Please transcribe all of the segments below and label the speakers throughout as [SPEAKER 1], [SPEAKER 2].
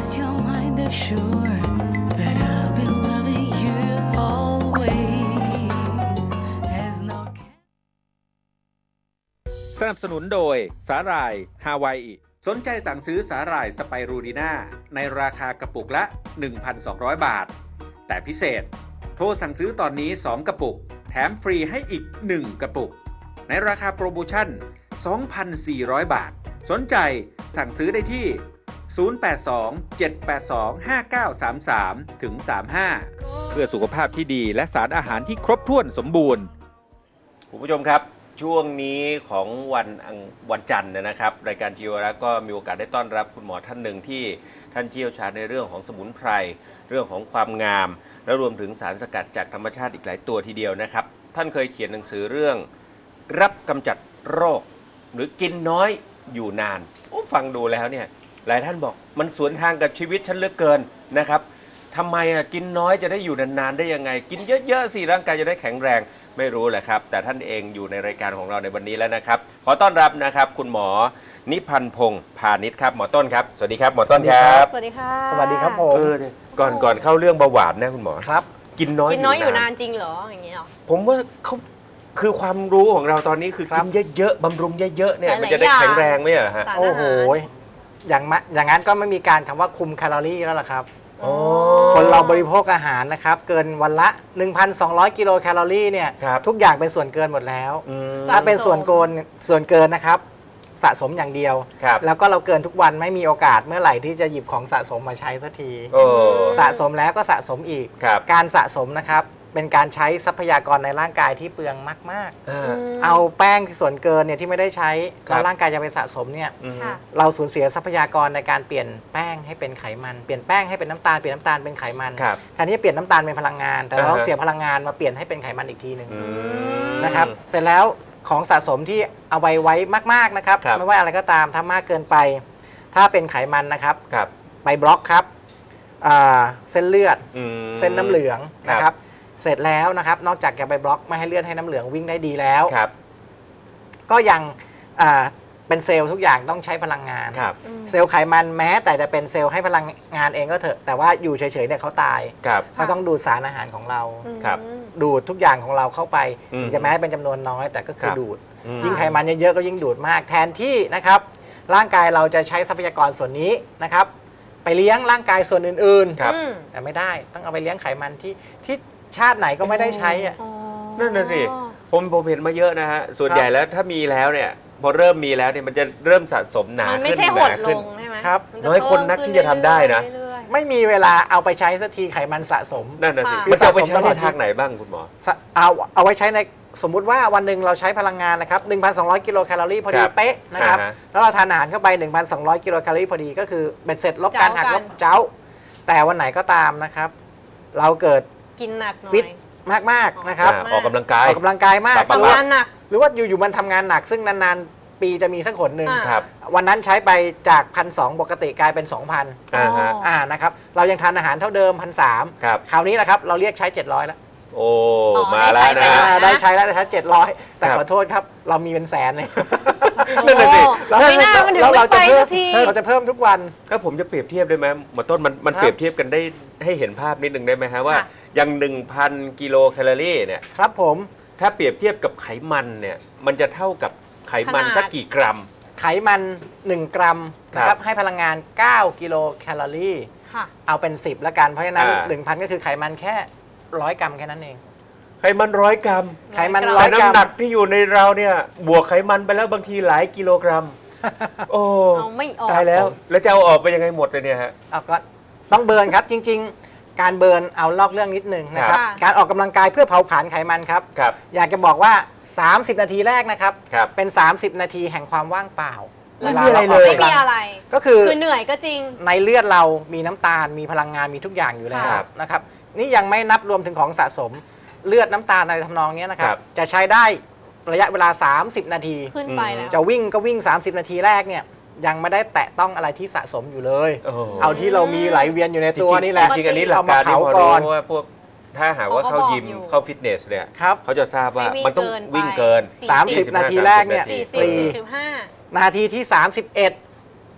[SPEAKER 1] rest your mind assured that I'll be loving you always. As no
[SPEAKER 2] สนับสนุนโดยสาหร่ายฮาวายอิสนใจสั่งซื้อสาหร่ายสไปรูดีน่าในราคากระปุกละ 1,200 บาท แต่พิเศษโทรสั่งซื้อตอนนี้ 2 กระปุกแถมฟรีให้อีก 1 กระปุกในราคาโปรโมชั่น 2,400 บาทสนใจสั่งซื้อได้ที่ 082-782-5933-35 เพื่อสุขภาพที่ดีและสารอาหารที่ครบถ้วนสมบูรณ์คุณผู้ชมครับช่วงนี้ของวันจันทร์นะครับรายการจีวรักษ์ก็มีโอกาสได้ต้อนรับคุณหมอท่านหนึ่งที่ท่านเชี่ยวชาญในเรื่องของสมุนไพรเรื่องของความงามและรวมถึงสารสกัดจากธรรมชาติอีกหลายตัวทีเดียวนะครับท่านเคยเขียนหนังสือเรื่องรับกำจัดโรคหรือกินน้อยอยู่นานฟังดูแล้วเนี่ยหลายท่านบอกมันสวนทางกับชีวิตฉันเหลือเกินนะครับทำไมกินน้อยจะได้อยู่นานๆได้ยังไงกินเยอะๆสิร่างกายจะได้แข็งแรงไม่รู้แหละครับแต่ท่านเองอยู่ในรายการของเราในวันนี้แล้วนะครับขอต้อนรับนะครับคุณหมอนิพันธ์พงษ์พาณิชย์ครับหมอต้นครับสวัสดีครับหมอต้นครับ
[SPEAKER 3] สวัสดีค่ะ
[SPEAKER 4] สวัสดีครับผม
[SPEAKER 2] ก่อนเข้าเรื่องเบาหวานนะคุณหมอ
[SPEAKER 4] ครับ
[SPEAKER 2] กินน้อย
[SPEAKER 3] อยู่นานจริงเหรออย่างนี้เหรอ
[SPEAKER 2] ผมว่าเขาคือความรู้ของเราตอนนี้คือกินเยอะๆบำรุงเยอะๆเนี่ยมันจะได้แข็งแรงไหมฮะ
[SPEAKER 4] โอ้โหอย่างนั้นก็ไม่มีการคำว่าคุมแคลอรี่แล้วล่ะครับคนเราบริโภคอาหารนะครับเกินวันละ 1,200 กิโลแคลอรี่เนี่ยทุกอย่างเป็นส่วนเกินหมดแล้วถ้าเป็นส่วนเกินนะครับสะสมอย่างเดียวแล้วก็เราเกินทุกวันไม่มีโอกาสเมื่อไหร่ที่จะหยิบของสะสมมาใช้สักทีสะสมแล้วก็สะสมอีกการสะสมนะครับเป็นการใช้ทรัพยากรในร่างกายที่เปลืองมากๆเอาแป้งส่วนเกินเนี่ยที่ไม่ได้ใช้แล้วร่างกายจะไปสะสมเนี่ยเราสูญเสียทรัพยากรในการเปลี่ยนแป้งให้เป็นไขมันเปลี่ยนแป้งให้เป็นน้ำตาลเปลี่ยนน้ำตาลเป็นไขมันแทนที่จะเปลี่ยนน้ำตาลเป็นพลังงานแต่เราต้องเสียพลังงานมาเปลี่ยนให้เป็นไขมันอีกทีหนึ่งนะครับเสร็จแล้วของสะสมที่เอาไว้มากๆนะครับไม่ว่าอะไรก็ตามถ้ามากเกินไปถ้าเป็นไขมันนะครับไปบล็อกครับเส้นเลือดเส้นน้ำเหลืองนะครับเสร็จแล้วนะครับนอกจากจะไปบล็อกไม่ให้เลือดให้น้ำเหลืองวิ่งได้ดีแล้วก็ยังเป็นเซลล์ทุกอย่างต้องใช้พลังงานเซลล์ไขมันแม้แต่จะเป็นเซลล์ให้พลังงานเองก็เถอะแต่ว่าอยู่เฉยๆเนี่ยเขาตายเขาต้องดูดสารอาหารของเราดูดทุกอย่างของเราเข้าไปถึงจะแม้เป็นจำนวนน้อยแต่ก็คือดูดยิ่งไขมันเยอะๆก็ยิ่งดูดมากแทนที่นะครับร่างกายเราจะใช้ทรัพยากรส่วนนี้นะครับไปเลี้ยงร่างกายส่วนอื่นๆแต่ไม่ได้ต้องเอาไปเลี้ยงไขมันที่ชาติไหนก็ไม่ได้ใช้
[SPEAKER 2] นั่นน่ะสิผมเห็นมาเยอะนะฮะส่วนใหญ่แล้วถ้ามีแล้วเนี่ยพอเริ่มมีแล้วเนี่ยมันจะเริ่มสะสมหนาขึ้น
[SPEAKER 3] ไม่ใช่หดลงใช่ไหม
[SPEAKER 2] ครับน้อยคนนักที่จะทำได้นะ
[SPEAKER 4] ไม่มีเวลาเอาไปใช้สักทีไขมันสะสม
[SPEAKER 2] นั่นน่ะสิมันจะเอาไปใช้ในทางไหนบ้างคุณหมอ
[SPEAKER 4] เอาไว้ใช้ในสมมุติว่าวันหนึ่งเราใช้พลังงานนะครับ 1,200 กิโลแคลอรี่พอดีเป๊ะนะครับแล้วเราทานอาหารเข้าไป 1,200 กิโลแคลอรี่พอดีก็คือเป็นเสร็จลบการหักลบเจ้าแต่วันไหนก็ตามนะครับเราเกิด
[SPEAKER 3] กินหนัก
[SPEAKER 4] ฟิตมากๆนะครับ
[SPEAKER 2] ออกกำลังกาย
[SPEAKER 4] มาก
[SPEAKER 3] ทำงานหนัก
[SPEAKER 4] หรือว่าอยู่ๆมันทำงานหนักซึ่งนานๆปีจะมีสักหนหนึ่งวันนั้นใช้ไปจาก 1,200 ปกติกลายเป็น 2,000นะครับเรายังทานอาหารเท่าเดิม 1,300 คราวนี้แหละครับเราเรียกใช้700แล้ว
[SPEAKER 2] โอ้มาแล้วนะ
[SPEAKER 4] ได้ใช้แล้วได้ใช้700แต่ขอโทษครับเรามีเป็นแสนเลย
[SPEAKER 3] นั่นน่ะสิไม่น่ามันถึงไม่ไปสักที
[SPEAKER 4] เราจะเพิ่มทุกวัน
[SPEAKER 2] ถ้าผมจะเปรียบเทียบได้ไหมหมอต้นมันเปรียบเทียบกันได้ให้เห็นภาพนิดนึงได้ไหมฮะว่าอย่าง 1,000 กิโลแคลอรี่เนี่ย
[SPEAKER 4] ครับผม
[SPEAKER 2] ถ้าเปรียบเทียบกับไขมันเนี่ยมันจะเท่ากับไขมันสักกี่กรัม
[SPEAKER 4] ไขมัน1 กรัมนะครับให้พลังงาน9 กิโลแคลอรี่เอาเป็น10แล้วกันเพราะฉะนั้น 1,000 ก็คือไขมันแค่100 กรัมแค่นั้นเอง
[SPEAKER 2] ไขมัน100 กรัม
[SPEAKER 4] ไขมัน100 กรัม
[SPEAKER 2] น้ำหนักที่อยู่ในเราเนี่ยบวกไขมันไปแล้วบางทีหลายกิโลกรัมโอ้
[SPEAKER 3] เอาไม่ออก
[SPEAKER 2] ตายแล้วจะเอาออกไปยังไงหมดเลยเนี่ยฮะ
[SPEAKER 4] ก็ต้องเบิร์นครับจริงๆการเบิร์นเอาลอกเรื่องนิดนึงนะครับการออกกำลังกายเพื่อเผาผลาญไขมันครับอยากจะบอกว่า30 นาทีแรกนะครับเป็น30 นาทีแห่งความว่างเปล่า
[SPEAKER 3] ไม่มีอะไรเลยไม่มีอะไร
[SPEAKER 4] ก็คือ
[SPEAKER 3] เหนื่อยก็จริง
[SPEAKER 4] ในเลือดเรามีน้ำตาลมีพลังงานมีทุกอย่างอยู่แล้วนะครับนี่ยังไม่นับรวมถึงของสะสมเลือดน้ำตาลอะไรทำนองนี้นะครับจะใช้ได้ระยะเวลา30 นาที
[SPEAKER 3] ขึ้นไปแล้ว
[SPEAKER 4] จะวิ่งก็วิ่ง30 นาทีแรกเนี่ยยังไม่ได้แตะต้องอะไรที่สะสมอยู่เลยเอาที่เรามีไหลเวียนอยู่ในตัวนี่แหละ
[SPEAKER 2] จริงอันนี้หลักการที่พอรู้ว่าพวกถ้าหากว่าเข้ายิมเข้าฟิตเนสเนี่ยเขาจะทราบว่ามันต้องวิ่งเกิน
[SPEAKER 4] 30 นาทีแรกเนี่ย
[SPEAKER 3] 45
[SPEAKER 4] นาทีที่31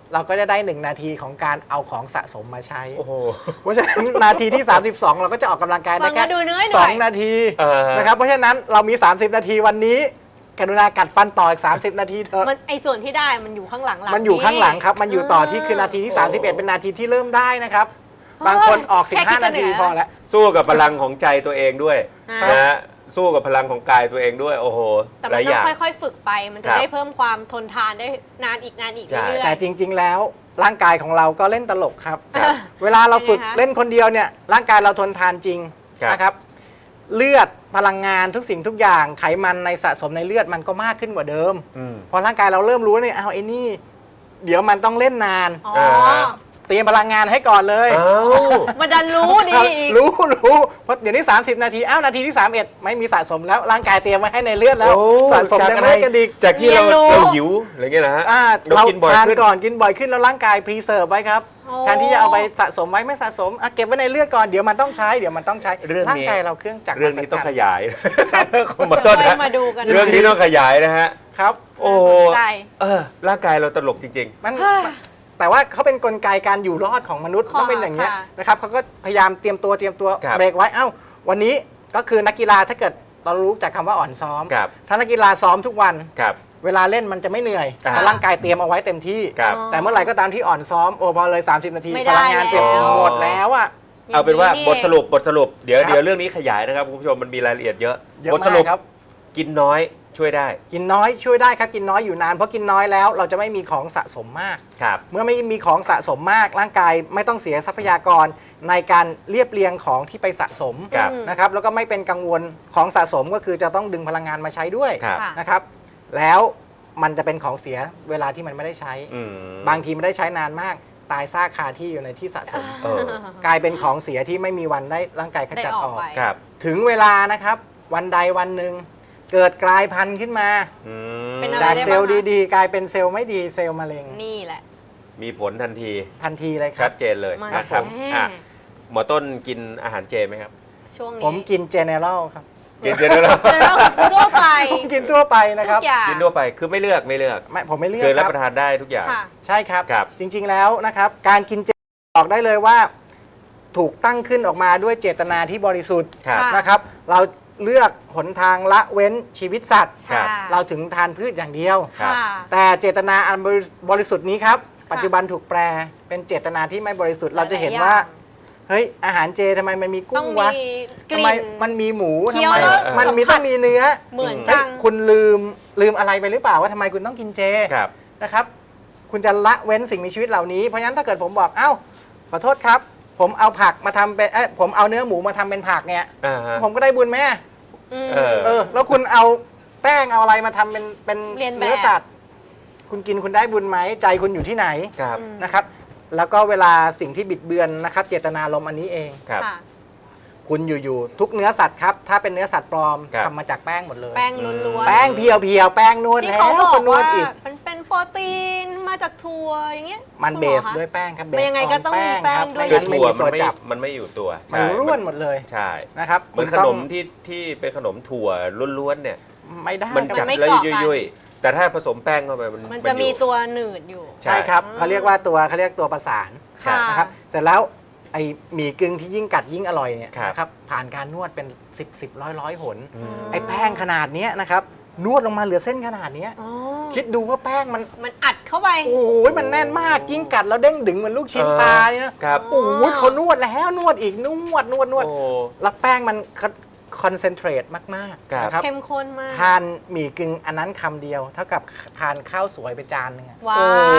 [SPEAKER 4] เราก็จะได้1นาทีของการเอาของสะสมมาใช้
[SPEAKER 2] โอ้โห
[SPEAKER 4] เพราะฉะนั้นนาทีที่ 32 เราก็จะออกกำลังกาย
[SPEAKER 3] ฟั
[SPEAKER 4] ได้
[SPEAKER 3] ง
[SPEAKER 4] แค่
[SPEAKER 3] แล้วดูเหนื่อยหน่อย
[SPEAKER 4] 2นาที
[SPEAKER 2] นะ
[SPEAKER 4] นะครับเพราะฉะนั้นเรามี 30 นาทีวันนี้กรุณากัดฟันต่ออีก30 นาทีเถอะ
[SPEAKER 3] มันไอส่วนที่ได้มันอยู่ข้างหลัง
[SPEAKER 4] มันอยู่ข้างหลังครับมันอยู่ต่อที่คือนาทีที่ 31 เป็นนาทีที่เริ่มได้นะครับบางคนออก
[SPEAKER 3] แค่คิด
[SPEAKER 4] 15
[SPEAKER 3] ก็
[SPEAKER 4] นา
[SPEAKER 3] เหนื่
[SPEAKER 4] ที
[SPEAKER 3] อย
[SPEAKER 4] พอแล้ว
[SPEAKER 2] สู้กับพลังของใจตัวเองด้วย
[SPEAKER 3] อ่าน
[SPEAKER 2] นะฮะสู้กับพลังของกายตัวเองด้วยโอ้โห
[SPEAKER 3] แต่
[SPEAKER 2] ห
[SPEAKER 3] มั
[SPEAKER 2] ลาน ยอ
[SPEAKER 3] ต้อง
[SPEAKER 2] ย่าง
[SPEAKER 3] ค่อยๆฝึกไป มันจะ
[SPEAKER 2] ครับ
[SPEAKER 3] ได้เพิ่มความทนทานได้นานอีก
[SPEAKER 2] ใช่
[SPEAKER 3] เรื่อย
[SPEAKER 4] แต่จริง ๆ แล้วร่างกายของเราก็เล่นตลกครับ
[SPEAKER 2] ครับ
[SPEAKER 4] เวลาเราฝึก
[SPEAKER 3] เป็นไงคะ
[SPEAKER 4] เล่นคนเดียวเนี่ยร่างกายเราทนทานจริง
[SPEAKER 2] ครับ
[SPEAKER 4] นะครับเลือดพลังงานทุกสิ่งทุกอย่างไขมันในสะสมในเลือดมันก็มากขึ้นกว่าเดิม
[SPEAKER 2] อืม
[SPEAKER 4] พอร่างกายเราเริ่มรู้เนี่ยเอาไอ้นี่ เดี๋ยวมันต้องเล่นนาน
[SPEAKER 3] ๆอ๋อ
[SPEAKER 4] เตรียมพลังงานให้ก่อนเลย
[SPEAKER 2] เอ้า
[SPEAKER 3] มันดันรู้ดีอีก
[SPEAKER 4] รู้เพราะเดี๋ยวนี้ 30 นาทีนาทีที่ 31 ไม่มีสะสมแล้วร่างกายเตรียมไว้ให้ในเลือดแล้ว
[SPEAKER 2] โอ้
[SPEAKER 4] สะสม
[SPEAKER 2] จาก
[SPEAKER 4] ใน
[SPEAKER 2] อะไร
[SPEAKER 4] เลือดกระดิก
[SPEAKER 2] จากที่
[SPEAKER 3] เรียนรู้
[SPEAKER 2] เราหิวอะไรเงี้ยนะฮะ เรา
[SPEAKER 4] เรา
[SPEAKER 2] กินบ่อย
[SPEAKER 4] ทาน
[SPEAKER 2] ขึ้น
[SPEAKER 4] ก่อนกินบ่อยขึ้นแล้วร่างกายพรีเซิร์ฟไว้ครับ
[SPEAKER 3] โอ้
[SPEAKER 4] แทนที่จะเอาไปสะสมไว้ไม่สะสมเก็บไว้ในเลือดก่อนเดี๋ยวมันต้องใช้
[SPEAKER 2] เรื่องนี้
[SPEAKER 4] ร่างกายเราเครื่องจักร
[SPEAKER 2] เรื่องนี้ต้องขยาย ของ
[SPEAKER 3] เดี๋
[SPEAKER 2] มา
[SPEAKER 3] ยว
[SPEAKER 2] ต้น
[SPEAKER 3] ค่อ
[SPEAKER 2] ฮะ
[SPEAKER 3] ยมาดูกัน
[SPEAKER 2] เรื่องนี้ต้องขยายนะฮะ
[SPEAKER 4] ครับ
[SPEAKER 2] โอ้โห
[SPEAKER 3] น่าสนใจ
[SPEAKER 2] ร่างกายเราตลกจริง
[SPEAKER 4] มัน
[SPEAKER 3] เฮ้ย
[SPEAKER 4] แต่ว่าเขาเป็นกลไกการอยู่รอดของมนุษย์
[SPEAKER 3] ค่ะ
[SPEAKER 4] ต้องเป็นอย่างนี้ย
[SPEAKER 3] ค่ะ
[SPEAKER 4] นะครับเขาก็พยายามเตรียมตัว
[SPEAKER 2] ครับ
[SPEAKER 4] เบรกไว้วันนี้ก็คือนักกีฬาถ้าเกิดเรารู้จากคำว่าอ่อนซ้อม
[SPEAKER 2] ครับ
[SPEAKER 4] ถ้านักกีฬาซ้อมทุกวัน
[SPEAKER 2] ครับ
[SPEAKER 4] เวลาเล่นมันจะไม่เหนื่อย
[SPEAKER 2] อ่า
[SPEAKER 4] เพราะร่างกายเตรียมเอาไว้เต็มที่
[SPEAKER 2] ครับ
[SPEAKER 4] แต่เมื่อไหร่ก็ตามที่อ่อนซ้อมพอเลย 30 นาที
[SPEAKER 3] ไม่
[SPEAKER 4] พ
[SPEAKER 3] ได้
[SPEAKER 4] ลังงานเต็ม
[SPEAKER 3] แล้ว
[SPEAKER 4] หมดแล้วอ่ะ
[SPEAKER 2] เอาเป็นว่า
[SPEAKER 3] ย่ง
[SPEAKER 2] บทสรุปเดี๋ยว
[SPEAKER 4] ครับ
[SPEAKER 2] เดี๋ยวเรื่องนี้ขยายนะครับคุณผู้ชมมันมีรายละเอียดเยอะ
[SPEAKER 4] เยอะ
[SPEAKER 2] บทสรุป
[SPEAKER 4] มากครับ
[SPEAKER 2] กินน้อยช่วยได้
[SPEAKER 4] กินน้อยช่วยได้ครับกินน้อยอยู่นานเพราะกินน้อยแล้วเราจะไม่มีของสะสมมาก
[SPEAKER 2] ครับ
[SPEAKER 4] เมื่อไม่มีของสะสมมากร่างกายไม่ต้องเสียทรัพยากรในการเรียบเรียงของที่ไปสะสม
[SPEAKER 2] ครับ
[SPEAKER 4] นะครับแล้วก็ไม่เป็นกังวลของสะสมก็คือจะต้องดึงพลังงานมาใช้ด้วย
[SPEAKER 2] ครับ
[SPEAKER 3] ค่ะ
[SPEAKER 4] นะครับ แล้วมันจะเป็นของเสียเวลาที่มันไม่ได้ใช้
[SPEAKER 2] อืม
[SPEAKER 4] บางทีไม่ได้ใช้นานมาก ตายซากคาที่อยู่ในที่สะสม
[SPEAKER 2] เออ
[SPEAKER 4] กลายเป็นของเสียที่ไม่มีวันได้ร่างกายข
[SPEAKER 3] ได้
[SPEAKER 4] จัด
[SPEAKER 3] อ
[SPEAKER 4] อ
[SPEAKER 3] อก
[SPEAKER 4] อก
[SPEAKER 3] ไป
[SPEAKER 2] ครับ
[SPEAKER 4] ถึงเวลานะครับวันใดวันหนึ่งเกิดกลายพันธุ์ขึ้นมา
[SPEAKER 2] อืม
[SPEAKER 3] เป็นอะไร
[SPEAKER 4] จาก
[SPEAKER 3] ได้
[SPEAKER 4] เซลล์
[SPEAKER 3] บ้างคะ
[SPEAKER 4] ดีๆ กลายเป็นเซลล์ไม่ดีเซลล์มะเร็ง
[SPEAKER 3] นี่แหละ
[SPEAKER 2] มีผลทันที
[SPEAKER 4] ทันทีเลยค
[SPEAKER 2] ชั
[SPEAKER 4] รั
[SPEAKER 2] ด
[SPEAKER 4] บ
[SPEAKER 2] เจนเลย
[SPEAKER 3] มา
[SPEAKER 2] นะครับ
[SPEAKER 3] แน่
[SPEAKER 2] อ่ะหมอต้นกินอาหารเจไหมครับ
[SPEAKER 3] ช่วงนี้
[SPEAKER 4] ผมกินเจเนอเรลครับ
[SPEAKER 2] กินเจด้วยเหรอ
[SPEAKER 3] จะเริ่มทั่วไป
[SPEAKER 4] ผมกินทั่วไปนะครับ
[SPEAKER 3] ทุกอย่าง
[SPEAKER 2] กินทั่วไปคือไม่เลือก
[SPEAKER 4] ไม่ผมไม่เลือก
[SPEAKER 2] คือรับ
[SPEAKER 4] ค
[SPEAKER 2] ประ
[SPEAKER 4] รับ
[SPEAKER 2] ทานได้ทุกอย่าง
[SPEAKER 3] ค่ะ
[SPEAKER 4] ใช่ครับ
[SPEAKER 2] ครับ
[SPEAKER 4] จริงๆแล้วนะครับ การกินเจบอกได้เลยว่า ถูกตั้งขึ้นออกมาด้วยเจตนาที่บริสุทธิ์
[SPEAKER 2] ครับ
[SPEAKER 3] ค่ะ
[SPEAKER 4] นะครับ เราเลือกหนทางละเว้นชีวิตสัตว์
[SPEAKER 2] ครับ
[SPEAKER 3] ค่ะ
[SPEAKER 4] เราถึงทานพืชอย่างเดียว
[SPEAKER 2] ครับ
[SPEAKER 3] ค่ะ
[SPEAKER 4] แต่เจตนาอันบริสุทธิ์นี้ครับ ปัจจุบันถูกแปลเป็นเจตนาที่ไม่บริสุทธิ์เราจะเห็นว่า เฮ้ยอาหารเจทำไมมันมี
[SPEAKER 3] ต้
[SPEAKER 4] กุ้
[SPEAKER 3] อง
[SPEAKER 4] ง
[SPEAKER 3] มี
[SPEAKER 4] วะ
[SPEAKER 3] ก
[SPEAKER 4] ทำ
[SPEAKER 3] ลิ่
[SPEAKER 4] ไม
[SPEAKER 3] น
[SPEAKER 4] มันมีหมู
[SPEAKER 3] เคี้
[SPEAKER 4] ทำ
[SPEAKER 3] ยว
[SPEAKER 4] ไม
[SPEAKER 3] แล้ว
[SPEAKER 4] มัน
[SPEAKER 3] สัมผัส
[SPEAKER 4] มีต้องมีเนื้อ
[SPEAKER 3] เหมือน
[SPEAKER 4] เฮ้
[SPEAKER 3] จั
[SPEAKER 4] ย
[SPEAKER 3] ง
[SPEAKER 4] คุณลืมอะไรไปหรือเปล่าว่าทำไมคุณต้องกินเจ
[SPEAKER 2] ครับ
[SPEAKER 4] นะครับ คุณจะละเว้นสิ่งมีชีวิตเหล่านี้เพราะฉะนั้นถ้าเกิดผมบอกขอโทษครับ ผมเอาผักมาทำเป็นผมเอาเนื้อหมูมาทำเป็นผักเนี่ย
[SPEAKER 2] อ่าฮะ
[SPEAKER 4] ผมก็ได้บุญไหม
[SPEAKER 3] อืม
[SPEAKER 2] เออ
[SPEAKER 4] แล้วคุณเอาแป้งเอาอะไรมาทำเป็น
[SPEAKER 3] เรียนแบบ
[SPEAKER 4] เนื้อสัตว์ คุณกินคุณได้บุญไหมใจคุณอยู่ที่ไหน
[SPEAKER 2] ครับ
[SPEAKER 3] อืม
[SPEAKER 4] นะครับ แล้วก็เวลาสิ่งที่บิดเบือนนะครับ เจตนารมณ์อันนี้เอง
[SPEAKER 2] ครับ
[SPEAKER 3] ค่ะ
[SPEAKER 4] คุณอยู่ๆทุกเนื้อสัตว์ครับถ้าเป็นเนื้อสัตว์ปลอม
[SPEAKER 2] ครับ
[SPEAKER 4] ทำมาจากแป้งหมดเลย
[SPEAKER 3] แป้งล้วนๆ
[SPEAKER 4] แป้งเพียวๆแป้งนวด
[SPEAKER 3] ที่
[SPEAKER 4] แล้ว
[SPEAKER 3] เขาบอก
[SPEAKER 4] ก็นว
[SPEAKER 3] ว่า
[SPEAKER 4] ดอีก
[SPEAKER 3] มันเป็นโปรตีนมาจากถั่วอย่างเงี้ย
[SPEAKER 4] มัน
[SPEAKER 3] คุณ
[SPEAKER 4] เบ
[SPEAKER 3] หอ
[SPEAKER 4] ส
[SPEAKER 3] คะ
[SPEAKER 4] ด้วยแป้งครับเบ
[SPEAKER 3] มัน
[SPEAKER 4] ส
[SPEAKER 3] ยังไงก็ต้องมีแป้งด้วย
[SPEAKER 2] คือ
[SPEAKER 4] ไม่
[SPEAKER 2] ถั่ว
[SPEAKER 4] มีตัวจับ
[SPEAKER 2] มันไม่อยู่ตัว
[SPEAKER 4] มัน
[SPEAKER 2] ใช่
[SPEAKER 4] ร่วนหมดเลย
[SPEAKER 2] ใช่
[SPEAKER 4] นะครับ
[SPEAKER 2] เหมือนข
[SPEAKER 4] คุณต้
[SPEAKER 2] น
[SPEAKER 4] อง
[SPEAKER 2] มที่เป็นขนมถั่วล้วนๆเนี่ย
[SPEAKER 4] ไม่ได้
[SPEAKER 2] มัน
[SPEAKER 4] ครับ
[SPEAKER 2] จับ
[SPEAKER 3] ไม่
[SPEAKER 2] แล้ว
[SPEAKER 3] เกาะกัน
[SPEAKER 2] ยุ่ยๆแต่ถ้าผสมแป้งเข้าไป
[SPEAKER 3] มันจะมีตัวหนืดอยู่
[SPEAKER 2] ใช่
[SPEAKER 4] ใช่ครับเขาเรียกว่าเขาเรียกตัวประสาน
[SPEAKER 3] ค่ะ
[SPEAKER 4] นะครับเสร็จแล้วไอหมี่กึ่งที่ยิ่งกัดยิ่งอร่อยเนี่ย
[SPEAKER 2] ครับ
[SPEAKER 4] นะครับผ่านการนวดเป็น10ร้อยหน
[SPEAKER 2] อืม
[SPEAKER 4] ไอแป้งขนาดเนี้ยนะครับนวดลงมาเหลือเส้นขนาดเนี้ย
[SPEAKER 3] อ๋อ
[SPEAKER 4] คิดดูว่าแป้งมัน
[SPEAKER 3] มันอัดเข้าไป
[SPEAKER 4] โอ้ยมันแน่นมากยิ่งกัดแล้วเด้งดึงเหมือนลูกชิ้นปลาเนี่ย
[SPEAKER 2] ครับ
[SPEAKER 4] โอ้ยเขานวดแล้วนวดอีกนวด
[SPEAKER 2] โอ้
[SPEAKER 4] แล้วแป้งมันคอนเซนเทรตมาก
[SPEAKER 2] ครับ
[SPEAKER 4] ๆนะครับ
[SPEAKER 3] เข้มข้นมาก
[SPEAKER 4] ทานหมี่กึ่งอันนั้นคำเดียว เท่ากับทานข้าวสวยไปจานหนึงอะ
[SPEAKER 3] ว้าว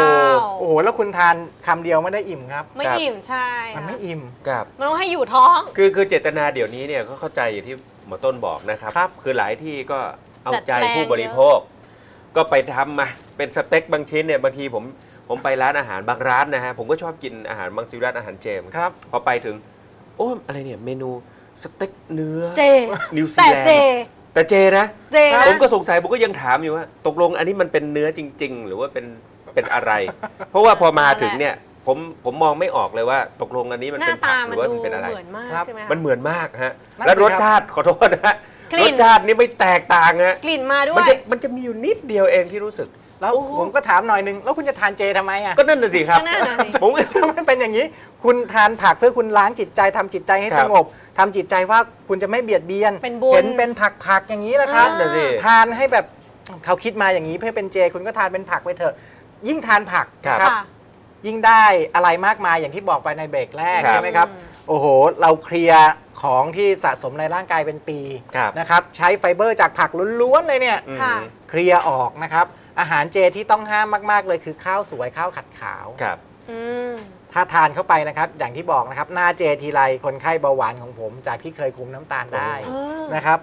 [SPEAKER 4] โอ้โหแล้วคุณทานคำเดียวไม่ได้อิ่มครับ
[SPEAKER 3] ไม่อิ่มใช่
[SPEAKER 4] มันไม่อิ่ม
[SPEAKER 2] ครับ
[SPEAKER 3] มันต้องให้อยู่ท้อง
[SPEAKER 2] คือเจตนาเดี๋ยวนี้เนี่ยเขาเข้าใจอย่างที่หมอต้นบอกนะครับ
[SPEAKER 4] ครับ
[SPEAKER 2] คือหลายที่ก็เอาใจ
[SPEAKER 3] ดัดแปลง
[SPEAKER 2] ผู้บริโภค ก็ไปทำมาเป็นสเต็กบางชิ้นเนี่ยบางทีผมไปร้านอาหารบางร้านนะฮะผมก็ชอบกินอาหารบางซีร้านอาหารเจม
[SPEAKER 4] ครับ
[SPEAKER 2] พอไปถึง โอ้อะไรเนี่ยเมนูสเต็กเนื้อ
[SPEAKER 3] เจ
[SPEAKER 2] นิวซี
[SPEAKER 3] แต่
[SPEAKER 2] แลน
[SPEAKER 3] เจ
[SPEAKER 2] ด์แต่เจนะ
[SPEAKER 3] เจนะ
[SPEAKER 2] ผมก็สงสัยผมก็ยังถามอยู่ว่าตกลงอันนี้มันเป็นเนื้อจริง ๆ หรือว่าเป็นอะไร เพราะว่าพอมาถึงเนี่ยผมมองไม่ออกเลยว่า ตกลงอันนี้มัน
[SPEAKER 3] หน้า
[SPEAKER 2] เป็นผั
[SPEAKER 3] ตาก
[SPEAKER 2] ห
[SPEAKER 3] มั
[SPEAKER 2] รื
[SPEAKER 3] น
[SPEAKER 2] อว่า
[SPEAKER 3] ดู
[SPEAKER 2] มันเป็นอะไร
[SPEAKER 3] เหมือนมาก
[SPEAKER 4] ครับ
[SPEAKER 3] ใช่ไหมคะ
[SPEAKER 2] มันเหมือนมากฮะ
[SPEAKER 4] นั่นสิ
[SPEAKER 2] และรส
[SPEAKER 4] ครับ
[SPEAKER 2] ชาติขอโทษนะฮะ
[SPEAKER 3] กลิ่
[SPEAKER 2] ร
[SPEAKER 3] น
[SPEAKER 2] สชาตินี่ไม่แตกต่างฮะ
[SPEAKER 3] กลิ่นมาด้ว
[SPEAKER 2] มัน
[SPEAKER 3] ย
[SPEAKER 2] จะมีอยู่นิดเดียวเองที่รู้สึก
[SPEAKER 4] แล้ว
[SPEAKER 2] โอ้โห
[SPEAKER 4] ผมก็ถามหน่อยนึงแล้วคุณจะทานเจทำไมอ่ะ
[SPEAKER 2] ก็นั่นน่ะสิครับ
[SPEAKER 3] ก็นั่นน่ะสิ
[SPEAKER 2] ผมก็
[SPEAKER 4] มันเป็นอย่างนี้ คุณทานผักเพื่อคุณล้างจิตใจทำจิตใจให้
[SPEAKER 2] ครั
[SPEAKER 4] ส
[SPEAKER 2] บ
[SPEAKER 4] งบทำจิตใจว่าคุณจะไม่เบียดเบียน
[SPEAKER 3] เป็นบุญ
[SPEAKER 4] เห็นเป็นผักอย่างนี้แหละครับ
[SPEAKER 2] นั่นน่ะสิ
[SPEAKER 4] ทานให้แบบเขาคิดมาอย่างนี้เพื่อเป็นเจ คุณก็ทานเป็นผักไปเถอะ ยิ่งทานผักนะครับ
[SPEAKER 3] ค่ะ
[SPEAKER 4] ยิ่งได้อะไรมากมายอย่างที่บอกไปในเบรกแรก
[SPEAKER 2] ครับ
[SPEAKER 4] ใช่ไหมครับ โอ้โห เราเคลียร์ของที่สะสมในร่างกายเป็นปี
[SPEAKER 2] ครับ
[SPEAKER 4] นะครับ ใช้ไฟเบอร์จากผักล้วนๆเลยเนี่ย
[SPEAKER 2] อืม
[SPEAKER 3] ค่ะ
[SPEAKER 4] เคลียร์ออกนะครับ อาหารเจที่ต้องห้ามมากๆเลยคือข้าวสวยข้าวขัดขาว
[SPEAKER 2] ครับ
[SPEAKER 3] อืม
[SPEAKER 4] ถ้าทานเข้าไปนะครับ อย่างที่บอกนะครับ หน้าเจทีไรคนไข้เบาหวานของผม จากที่เคยคุมน้ำตาลได้
[SPEAKER 3] เออ
[SPEAKER 4] นะครับ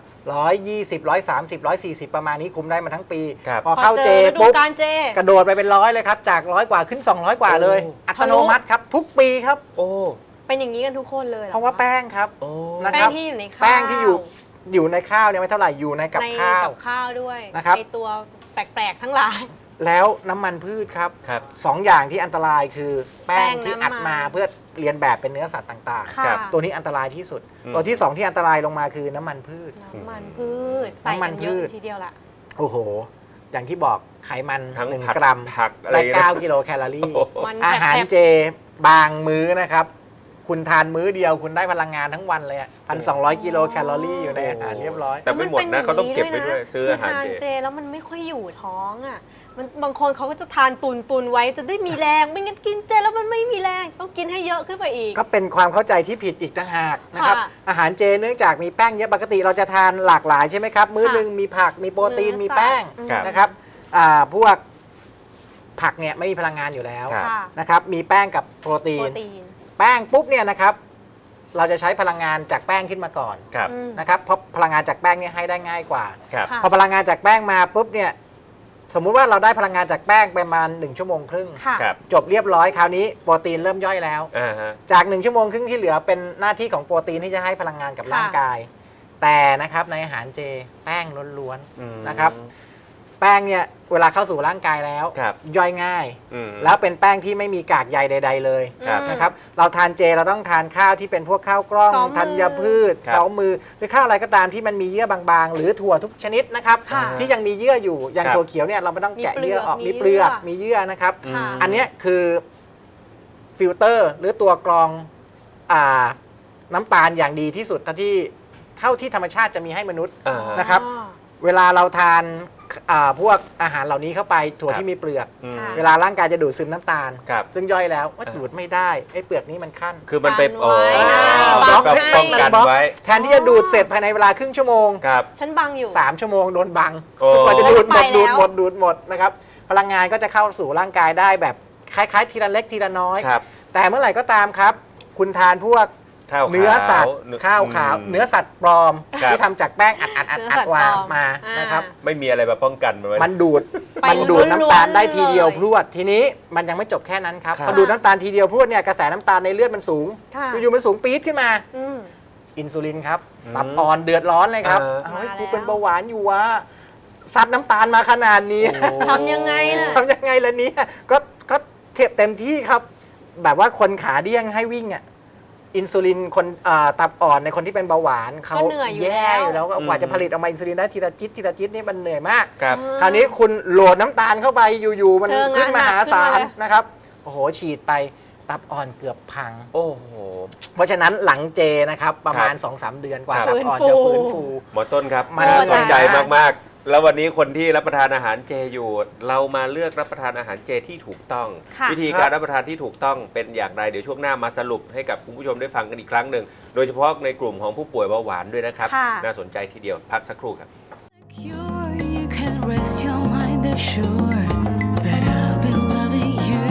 [SPEAKER 4] 120 130 140 ประมาณนี้คุมได้มาทั้งปี
[SPEAKER 2] ครับ
[SPEAKER 4] พอเข้าเจ
[SPEAKER 3] พอฤดู
[SPEAKER 4] ปุ๊บ
[SPEAKER 3] การเจ
[SPEAKER 4] กระโดดไปเป็น100เลยครับ จาก100กว่าขึ้น200กว่าเลย
[SPEAKER 2] โอ้
[SPEAKER 4] อัตโนมัติครับ ทุกปีครับ
[SPEAKER 2] โอ้
[SPEAKER 3] เป็นอย่างนี้กันทุกคนเลยหอ
[SPEAKER 4] เพราะว่าแป้งครับ
[SPEAKER 2] โอ้
[SPEAKER 4] นะ
[SPEAKER 3] แป้
[SPEAKER 4] ครั
[SPEAKER 3] ง
[SPEAKER 4] บ
[SPEAKER 3] ที่อยู่ในข้าว
[SPEAKER 4] แป้งที่อยู่ในข้าวเนี่ยไม่เท่าไหร่อยู่ในกับ
[SPEAKER 3] ใน
[SPEAKER 4] ข้าว
[SPEAKER 3] กับข้าวด้วย
[SPEAKER 4] นะครับ
[SPEAKER 3] ไอตัวแปลกๆทั้งหลาย
[SPEAKER 4] แล้วน้ำมันพืชครับ
[SPEAKER 2] ครับ
[SPEAKER 4] สองอย่างที่อันตรายคือแป้ง
[SPEAKER 3] แป้ง
[SPEAKER 4] ที่
[SPEAKER 3] น้ำมัน
[SPEAKER 4] อัดมาเพื่อเรียนแบบเป็นเนื้อสัตว์ต่าง
[SPEAKER 3] ค่ะ
[SPEAKER 2] ครับ
[SPEAKER 4] ๆ ตัวนี้อันตรายที่สุด
[SPEAKER 2] อืม
[SPEAKER 4] ตัวที่สองที่อันตรายลงมาคือน้ำมันพืช
[SPEAKER 3] น้ำมันพืชใส่
[SPEAKER 4] น้ำมั
[SPEAKER 3] กัน นเย
[SPEAKER 4] พื
[SPEAKER 3] อะ
[SPEAKER 4] ช
[SPEAKER 3] ทีเดียวล่ะ
[SPEAKER 4] โอ้โห อย่างที่บอกไขมัน
[SPEAKER 2] ทั้ง
[SPEAKER 4] 1
[SPEAKER 2] ผัก
[SPEAKER 4] กรัม
[SPEAKER 2] ผักอะไร
[SPEAKER 4] ได้
[SPEAKER 2] นะ
[SPEAKER 4] 9 กิโลแคลอรี่
[SPEAKER 2] โอ้โห
[SPEAKER 3] มัน
[SPEAKER 4] อาหาร
[SPEAKER 3] แผลบ
[SPEAKER 4] เจบางมื้อนะครับ คุณทานมื้อเดียวคุณได้พลังงานทั้งวันเลยอะ1,200 กิโลแคลอรี่อยู่ในอาหารเรียบร้อย
[SPEAKER 2] แต่ไม่หมดนะเขาต้องเก็บไว้ด้วยซื้ออาหาร
[SPEAKER 3] คืทาน
[SPEAKER 2] เจ
[SPEAKER 3] เจแล้วมันไม่ค่อยอยู่ท้องอ่ะมันบางคนเขาก็จะทานตุนไว้จะได้มีแรง ไม่งั้นกินเจแล้วมันไม่มีแรงต้องกินให้เยอะขึ้นไปอีก
[SPEAKER 4] ก็เป็นความเข้าใจที่ผิดอีกต่างหากนะครับ
[SPEAKER 3] ค่ะ
[SPEAKER 4] อาหารเจเนื่องจากมีแป้งเยอะปกติเราจะทานหลากหลายใช่ไหมครับ มื้อ
[SPEAKER 3] ค่ะ
[SPEAKER 4] หนึ่งมีผักมีโปรตีน
[SPEAKER 3] เนื้อ
[SPEAKER 4] มีแป้ง
[SPEAKER 3] สัตว์
[SPEAKER 4] นะครับพวกผักเนี่ยไม่มีพลังงานอยู่แล้ว
[SPEAKER 2] ครับ
[SPEAKER 3] ค่ะ
[SPEAKER 4] นะครับ มีแป้งกับโปรตี
[SPEAKER 3] โปร
[SPEAKER 4] น
[SPEAKER 3] ตีน
[SPEAKER 4] แป้งปุ๊บเนี่ยนะครับ เราจะใช้พลังงานจากแป้งขึ้นมาก่อน
[SPEAKER 2] ครับ
[SPEAKER 3] อืม
[SPEAKER 4] นะครับเพราะพลังงานจากแป้งเนี่ยให้ได้ง่ายกว่า
[SPEAKER 2] ครับ
[SPEAKER 3] ค่ะ
[SPEAKER 4] พอพลังงานจากแป้งมาปุ๊บเนี่ยสมมุติว่าเราได้พลังงานจากแป้งประมาณ1 ชั่วโมงครึ่ง
[SPEAKER 3] ค่ะ
[SPEAKER 2] ครับ
[SPEAKER 4] จบเรียบร้อยคราวนี้โปรตีนเริ่มย่อยแล้ว
[SPEAKER 2] อ่าฮะ
[SPEAKER 4] จาก1 ชั่วโมงครึ่งที่เหลือเป็นหน้าที่ของโปรตีนที่จะให้พลังงานกับ
[SPEAKER 3] ค่ะ
[SPEAKER 4] ร่างกาย แต่นะครับในอาหารเจแป้งล้วน
[SPEAKER 2] อืม
[SPEAKER 4] นะครับ ๆแป้งเนี่ยเวลาเข้าสู่ร่างกายแล้ว
[SPEAKER 2] ครับ
[SPEAKER 4] ย่อยง่าย
[SPEAKER 2] อืม
[SPEAKER 4] แล้วเป็นแป้งที่ไม่มีกากใยใด ๆ เลย
[SPEAKER 2] ครับ
[SPEAKER 4] นะครับเราทานเจเราต้องทานข้าวที่เป็นพวกข้าวกล้อง
[SPEAKER 3] ซ้อมมือ
[SPEAKER 4] ธัญพืช
[SPEAKER 2] ครับ
[SPEAKER 4] เสามือหรือข้าวอะไรก็ตามที่มันมีเยื่อบางๆ หรือถั่วทุกชนิดนะครับ
[SPEAKER 3] ค่ะ
[SPEAKER 4] ที่ยังมีเยื่ออยู่อย่าง
[SPEAKER 2] ครับ
[SPEAKER 4] ถั่วเขียวเนี่ยเราไม่ต้องแกะ
[SPEAKER 3] มีเปลื
[SPEAKER 4] เยื่
[SPEAKER 3] อ
[SPEAKER 4] อก ออก
[SPEAKER 3] มี
[SPEAKER 4] มีเปลือก
[SPEAKER 3] เยื่อ
[SPEAKER 4] มีเยื่อนะครับ
[SPEAKER 3] ค่ะ
[SPEAKER 4] อันเนี้ยคือฟิลเตอร์หรือตัวกรองน้ำตาลอย่างดีที่สุดเท่าที่ธรรมชาติจะมีให้มนุษย์
[SPEAKER 2] อ่าฮะ
[SPEAKER 4] นะครับ
[SPEAKER 3] อ๋อ
[SPEAKER 4] เวลาเราทานพวกอาหารเหล่านี้เข้าไปถั่ว
[SPEAKER 2] ครับ
[SPEAKER 4] ที่มีเปลือก
[SPEAKER 2] อืม
[SPEAKER 3] ค่ะ
[SPEAKER 4] เวลาร่างกายจะดูดซึมน้ำตาล
[SPEAKER 2] ครับ
[SPEAKER 4] ซึ่งย่อยแล้วว่าดูดไม่ได้ไอ้เปลือกนี้มันขั้น
[SPEAKER 2] คือมันเป็น
[SPEAKER 3] กันไว้
[SPEAKER 2] โอ้
[SPEAKER 3] นะ
[SPEAKER 2] แบบ
[SPEAKER 3] บังให้
[SPEAKER 2] ป้องกันไว้
[SPEAKER 4] แทนที่จะดูดเสร็จภายในเวลาครึ่งชั่วโมง
[SPEAKER 2] ครับ
[SPEAKER 3] ฉันบังอยู่
[SPEAKER 4] 3 ชั่วโมงโดนบัง
[SPEAKER 2] โอ้
[SPEAKER 4] กว่าจะดูดหมด
[SPEAKER 3] ไปแล้ว
[SPEAKER 4] ดูดหมดนะครับ พลังงานก็จะเข้าสู่ร่างกายได้แบบคล้ายๆ ทีละเล็กทีละน้อย
[SPEAKER 2] ครับ
[SPEAKER 4] แต่เมื่อไหร่ก็ตามครับ คุณทานพวก
[SPEAKER 2] ข้าวขาว
[SPEAKER 4] เนื้อสัตว์ข้าวขาว
[SPEAKER 2] อืม
[SPEAKER 4] เนื้อสัตว์ปลอม
[SPEAKER 2] ครับ
[SPEAKER 4] ที่ทำจากแป้งอัด
[SPEAKER 3] เนื้อสัตว์
[SPEAKER 4] วาง
[SPEAKER 3] ปลอม
[SPEAKER 4] มา
[SPEAKER 3] อ่าน
[SPEAKER 4] นะครับ
[SPEAKER 2] ไม่มีอะไรมาป้องกันมันไว้
[SPEAKER 4] มันดูด
[SPEAKER 3] ไป
[SPEAKER 4] มันดูดน้ำตาลได้ทีเดียว
[SPEAKER 3] ล้วนๆเลย
[SPEAKER 4] พรวดทีนี้มันยังไม่จบแค่นั้นครับ
[SPEAKER 2] ครับ
[SPEAKER 4] พอดูดน้ำตาลทีเดียวพรวดเนี่ยกระแสน้ำตาลในเลือดมันสูง
[SPEAKER 3] ค่ะ
[SPEAKER 4] อยู่ๆมันสูงปี๊ดขึ้นมา
[SPEAKER 3] อืม
[SPEAKER 4] อินซูลินครับ
[SPEAKER 2] อืม
[SPEAKER 4] ตับอ่อนเดือดร้อนเลยครับ
[SPEAKER 2] อ่า
[SPEAKER 4] เฮ้ย
[SPEAKER 3] มาแล้ว
[SPEAKER 4] กูเป็นเบาหวานอยู่วะซัดน้ำตาลมาขนาดนี้
[SPEAKER 2] โอ้
[SPEAKER 3] ทำยังไงล่ะ
[SPEAKER 4] ทำยังไงล่ะเนี่ยก็เต็มที่ครับ แบบว่าคนขาเดี้ยงให้วิ่งอ่ะอินซูลินคนตับอ่อนในคนที่เป็นเบาหวานเขา
[SPEAKER 3] ก็เหนื่อยอยู่
[SPEAKER 4] แย่
[SPEAKER 3] แล้ว
[SPEAKER 4] อยู่แล้วกว่าจะผลิตออกมาอินซูลินได้ทีละจิตนี่มันเหนื่อยมาก
[SPEAKER 2] ครับ
[SPEAKER 4] คราวนี้คุณโหลดน้ำตาลเข้าไปอยู่ๆมัน
[SPEAKER 3] เจองาน
[SPEAKER 4] ขึ้นมหาศา
[SPEAKER 3] หนักขึ้นมา
[SPEAKER 4] ล
[SPEAKER 3] เลย
[SPEAKER 4] นะครับโอ้โหฉีดไปตับอ่อนเกือบพัง
[SPEAKER 2] โอ้โห
[SPEAKER 4] เพราะฉะนั้นหลังเจนะครับประมาณ
[SPEAKER 2] ครับ
[SPEAKER 4] 2-3 เดือนกว่า
[SPEAKER 2] ครับ
[SPEAKER 4] ตับอ่อนจะฟื้นฟู
[SPEAKER 2] หมอต้นครับ
[SPEAKER 4] มัน
[SPEAKER 2] น่าสนใจ
[SPEAKER 4] โอ้
[SPEAKER 2] มากๆ แล้ววันนี้คนที่รับประทานอาหารเจอยู่ เรามาเลือกรับประทานอาหารเจที่ถูกต้อง
[SPEAKER 3] ค่ะ
[SPEAKER 2] วิธีการรับประทานที่ถูกต้องเป็นอย่างไรเดี๋ยวช่วงหน้ามาสรุปให้กับคุณผู้ชมได้ฟังกันอีกครั้งหนึ่งโดยเฉพาะในกลุ่มของผู้ป่วยเบาหวานด้วยนะครับ
[SPEAKER 3] ค่ะ
[SPEAKER 2] น่าสนใจทีเดียวพักสักครู่ครับ
[SPEAKER 1] Cure, you can rest your mind assured that I'll be loving you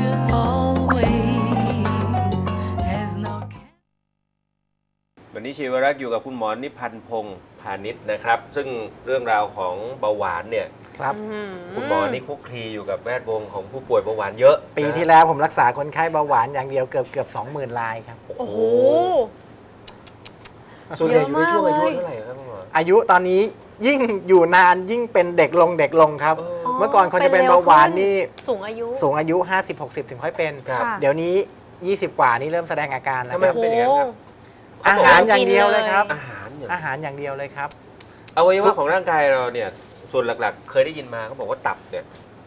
[SPEAKER 1] always. As no
[SPEAKER 2] วันนี้ชีวรักษ์อยู่กับคุณหมอนิพันธ์พงศ์พาณิชย์นะครับ ซึ่งเรื่องราวของเบาหวานเนี่ย
[SPEAKER 4] ครับ
[SPEAKER 2] คุณหมอนี่คลุกคลีอยู่กับแวดวงของผู้ป่วยเบาหวานเยอะ
[SPEAKER 4] ปี
[SPEAKER 2] นะ
[SPEAKER 4] ที่แล้วผมรักษาคนไข้เบาหวานอย่างเดียวเกือบ 20,000 รายครับ
[SPEAKER 3] โอ้โห
[SPEAKER 2] ส่วนใหญ่อยู่ในช่วงอายุ
[SPEAKER 3] เยอะมากเลย
[SPEAKER 2] เท่าไหร่ครับคุณหมอ
[SPEAKER 4] อายุตอนนี้ยิ่งอยู่นานยิ่งเป็นเด็กลงครับ เมื่อก่อนคนจะเป็นเบาหวานนี่
[SPEAKER 3] สูงอายุ
[SPEAKER 4] สูงอายุ 50-60 ถึงค่อยเป็น
[SPEAKER 2] ครับ
[SPEAKER 3] ค่ะ
[SPEAKER 4] เดี๋ยวนี้ 20 กว่านี่เริ่มแสดงอาการแล้ว
[SPEAKER 2] ทำไม
[SPEAKER 4] ครับ
[SPEAKER 2] เป็นอย่างนั้นครับ
[SPEAKER 4] อาหารอย่างเดียวเลยครับ
[SPEAKER 2] อาหารเนี่ย
[SPEAKER 4] อาหารอย่างเดียวเลยครับ
[SPEAKER 2] อวัยวะของร่างกายเราเนี่ยส่วนหลักๆ เคยได้ยินมาเขาบอกว่าตับเนี่ย